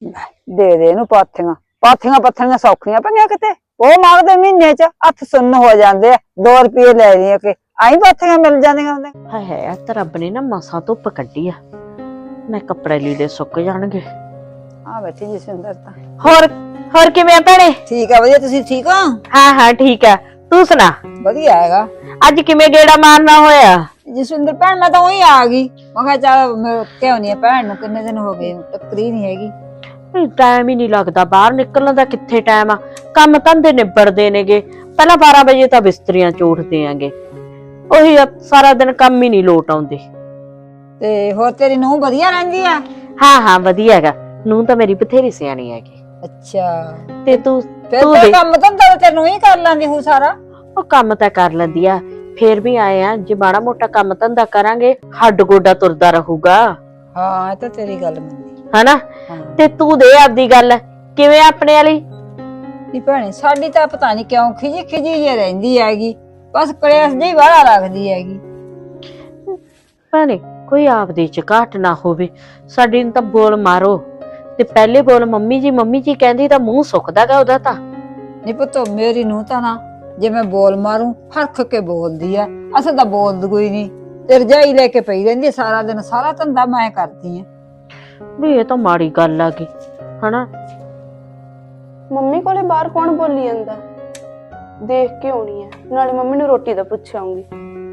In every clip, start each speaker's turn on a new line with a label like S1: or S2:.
S1: ਦੇ ਦੇ ਇਹਨੂੰ ਪਾਥੀਆਂ ਪਾਥੀਆਂ ਪੱਥਣੀਆਂ ਸੌਖੀਆਂ ਪਈਆਂ ਕਿਤੇ। ਉਹ ਮੰਗਦੇ ਮਹੀਨੇ ਚ ਹੱਥ ਸੁੰਨ ਹੋ ਜਾਂਦੇ ਆ। 2 ਰੁਪਏ ਲੈ ਲਈਏ ਕਿ ਆਈ ਪਾਥੀਆਂ ਮਿਲ ਜਾਂਦੀਆਂ ਹੁੰਦੇ।
S2: ਹਾਏ ਹਾਏ ਤਾਂ ਰੱਬ ਨੇ ਨਾ ਮਸਾਂ ਧੁੱਪ ਕੱਢੀ ਆ। ਮੈਂ ਕੱਪੜੇ ਲੀੜੇ ਸੁੱਕ ਜਾਣਗੇ।
S1: ਆ ਬੈਠੀ ਜਸਵਿੰਦਰ ਤਾਂ।
S2: ਹੋਰ ਕਿਵੇਂ ਆ ਭੈਣੇ?
S1: ਠੀਕ ਆ ਵਧੀਆ, ਤੁਸੀਂ ਠੀਕ ਹੋ?
S2: ਹਾਂ ਠੀਕ ਆ, ਤੂੰ ਸੁਣਾ?
S1: ਵਧੀਆ ਹੈਗਾ।
S2: ਅੱਜ ਕਿਵੇਂ ਗੇੜਾ ਮਾਰਨਾ ਹੋਇਆ?
S1: ਜਸਵਿੰਦਰ ਭੈਣ ਮੈਂ ਤਾਂ ਉਹੀ ਆ ਗਈ। ਮੈਂ ਕਿਹਾ ਚੱਲ ਮੈਂ ਕਿਉਂ ਨਹੀਂ ਭੈਣ ਨੂੰ ਕਿੰਨੇ ਦਿਨ ਹੋ ਗਏ ਟੱਕਰੀ ਨਹੀਂ ਹੈਗੀ।
S2: ਟਾਈਮ ਹੀ ਨਹੀਂ ਲੱਗਦਾ ਬਾਹਰ ਨਿਕਲਣ ਦਾ। ਕਿੱਥੇ ਟਾਈਮ ਆ, ਕੰਮ ਧੰਦੇ ਨਿਬੜਦੇ ਨੇਗੇ। ਪਹਿਲਾਂ 12 ਵਜੇ ਤਾਂ ਬਿਸਤਰੀਆਂ ਝੂਟਦੇ ਆਂਗੇ। ਉਹੀ ਸਾਰਾ ਦਿਨ ਕੰਮ ਹੀ ਨਹੀਂ ਲੋਟ ਆਉਂਦੇ।
S1: ਤੇ ਹੋਰ ਤੇਰੀ ਨੂੰਹ ਵਧੀਆ ਰਹਿੰਦੀ ਆ?
S2: ਹਾਂ ਵਧੀਆ ਹੈਗਾ। ਨੂੰਹ ਤਾਂ ਮੇਰੀ ਬਥੇਰੀ ਸਿਆਣੀ ਹੈਗੀ।
S1: ਅੱਛਾ
S2: ਤੇ ਤੂੰ
S1: ਫਿਰ ਕੰਮ ਧੰਦਾ ਤੈਨੂੰ ਹੀ ਕਰ ਲੈਂਦੀ ਹੂੰ ਸਾਰਾ?
S2: ਉਹ ਕੰਮ ਤਾਂ ਕਰ ਲੈਂਦੀ ਆ, ਫੇਰ ਵੀ ਆਏ ਆ ਜੇ ਮਾੜਾ ਮੋਟਾ ਕੰਮ ਧੰਦਾ ਕਰਾਂਗੇ ਹੱਡ ਗੋਡਾ ਤੁਰਦਾ ਰਹੂਗਾ।
S1: ਹਾਂ ਇਹ ਤਾਂ ਤੇਰੀ ਗੱਲ ਮੰਨੀ
S2: ਹਨਾ। ਤੇ ਤੂੰ ਦੇ ਆਪਦੀ ਗੱਲ ਕਿਵੇਂ ਆਪਣੇ ਵਾਲੀ?
S1: ਨੀ ਭੈਣੇ ਸਾਡੀ ਤਾਂ ਪਤਾ ਨਹੀਂ ਕਿਉਂ ਖਿਜੀ ਜੇ ਰਹਿੰਦੀ ਹੈਗੀ। ਬਸ ਕਲੇਸ਼ ਜਿਹੀ ਵਾਲਾ ਰੱਖਦੀ ਹੈਗੀ।
S2: ਭੈਣੇ ਕੋਈ ਆਪਦੀ ਚ ਘਾਟ ਨਾ ਹੋਵੇ। ਸਾਡੀ ਨੂੰ ਤਾਂ ਬੋਲ ਮਾਰੋ ਤੇ ਪਹਿਲੇ ਬੋਲ ਮੰਮੀ ਜੀ ਕਹਿੰਦੀ ਤਾਂ ਮੂੰਹ ਸੁੱਕਦਾਗਾ ਉਹਦਾ ਤਾਂ।
S1: ਨੀ ਪੁੱਤ ਮੇਰੀ ਨੂੰਹ ਤਾਂ ਨਾ ਜੇ ਮੈਂ ਬੋਲ ਮਾਰੂ ਹਰਖ ਕੇ ਬੋਲਦੀ ਆ। ਅਸਾਂ ਤਾਂ ਬੋਲਦੀ ਕੋਈ ਨਹੀਂ ਤੇ ਰਜਾਈ ਲੈ ਕੇ ਪਈ ਰਹਿੰਦੀ ਸਾਰਾ ਦਿਨ। ਸਾਰਾ ਧੰਦਾ ਮੈਂ ਕਰਦੀ ਆ।
S2: ਵੀ ਇਹ ਤਾਂ ਮਾੜੀ ਗੱਲ ਆ ਗਈ ਹਨਾ।
S3: ਮੰਮੀ ਕੋਲੇ ਬਾਹਰ ਕੌਣ ਬੋਲੀ ਜਾਂਦਾ? ਦੇਖ ਕੇ ਆਉਣੀ ਹੈ, ਨਾਲੇ ਮੰਮੀ ਨੂੰ ਰੋਟੀ ਦਾ ਪੁੱਛ ਆਉਂਗੀ।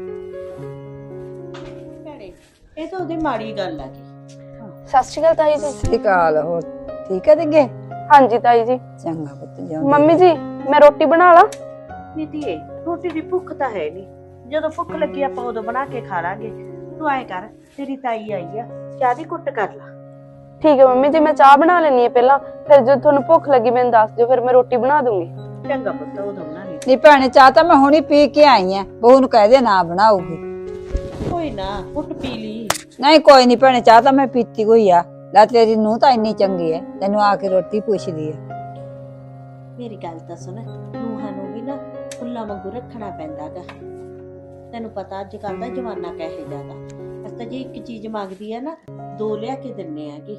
S2: ਇਹ ਤਾਂ ਉਹਦੀ ਮਾੜੀ ਗੱਲ ਆ ਗਈ।
S3: ਸਤਿ ਸ਼੍ਰੀ ਅਕਾਲ ਤਾਈ ਜੀ।
S1: ਸਤਿ ਸ਼੍ਰੀ ਅਕਾਲ। ਹੋਰ ਠੀਕ ਹੈ ਦਿੰਗੇ?
S3: ਹਾਂਜੀ ਤਾਈ ਜੀ।
S1: ਚੰਗਾ ਪੁੱਤ ਜਾ।
S3: ਮੰਮੀ ਜੀ ਮੈਂ ਰੋਟੀ ਬਣਾ ਲਾ?
S2: ਨੀ ਧੀਏ ਰੋਟੀ ਦੀ ਭੁੱਖ ਤਾਂ ਹੈ ਨਹੀਂ। ਜਦੋਂ ਭੁੱਖ ਲੱਗੀ ਆਪਾਂ ਉਦੋਂ ਬਣਾ ਕੇ ਖਾ ਲਾਂਗੇ। ਤੂੰ ਐ ਕਰ, ਤੇਰੀ ਤਾਈ ਆਈ ਆ, ਚਾਹ ਦੀ ਕੁੱਟ ਕਰ ਲਾ।
S3: ਠੀਕ ਹੈ ਮੰਮੀ ਜੀ, ਮੈਂ ਚਾਹ ਬਣਾ ਲੈਣੀ ਹੈ ਪਹਿਲਾਂ, ਫਿਰ ਜਦੋਂ ਤੁਹਾਨੂੰ ਭੁੱਖ ਲੱਗੀ ਮੈਨੂੰ ਦੱਸ ਦਿਓ, ਫਿਰ ਮੈਂ ਰੋਟੀ ਬਣਾ ਦੂੰਗੀ।
S2: ਚੰਗਾ ਪੁੱਤ ਉਦੋਂ ਬਣਾ ਲਈ।
S1: ਨੀ ਭੈਣੇ ਚਾਹ ਤਾਂ ਮੈਂ ਹੁਣੀ ਪੀ ਕੇ ਆਈ ਆ। ਬਹੂ ਨੂੰ ਕਹਿ ਦੇ ਨਾ ਬਣਾਉਗੀ।
S2: ਕੋਈ ਨਾ ਕੁੱਟ ਪੀ ਲਈ।
S1: ਨਹੀਂ ਕੋਈ ਨਹੀਂ ਭੈਣੇ ਚਾਹ ਤਾਂ ਮੈਂ ਪੀਤੀ ਹੋਈ ਆ। ਲੈ ਤੇਰੀ ਨੂੰਹ ਤਾਂ ਇੰਨੀ ਚੰਗੀ ਹੈ, ਤੈਨੂੰ ਆ ਕੇ ਰੋਟੀ ਪੁੱਛਦੀ ਆ।
S2: ਮੇਰੀ ਗੱਲ ਤਾਂ ਸੁਣ, ਨੂੰਹਾਂ ਨੂੰ ਵੀ ਨਾ ਫੁੱਲਾਂ ਵਾਂਗੂ ਰੱਖਣਾ ਪੈਂਦਾਗਾ। ਤੈਨੂੰ ਪਤਾ ਅੱਜ ਕੱਲ ਦਾ ਜਮਾਨਾ ਕਿਹੋ ਜਿਹਾ ਗਾ। ਅਸੀਂ ਤਾਂ ਜੇ ਇੱਕ ਚੀਜ਼ ਮੰਗਦੀ ਆ ਨਾ 2 ਲਿਆ ਕੇ ਦਿੰਨੇ ਆਗੇ।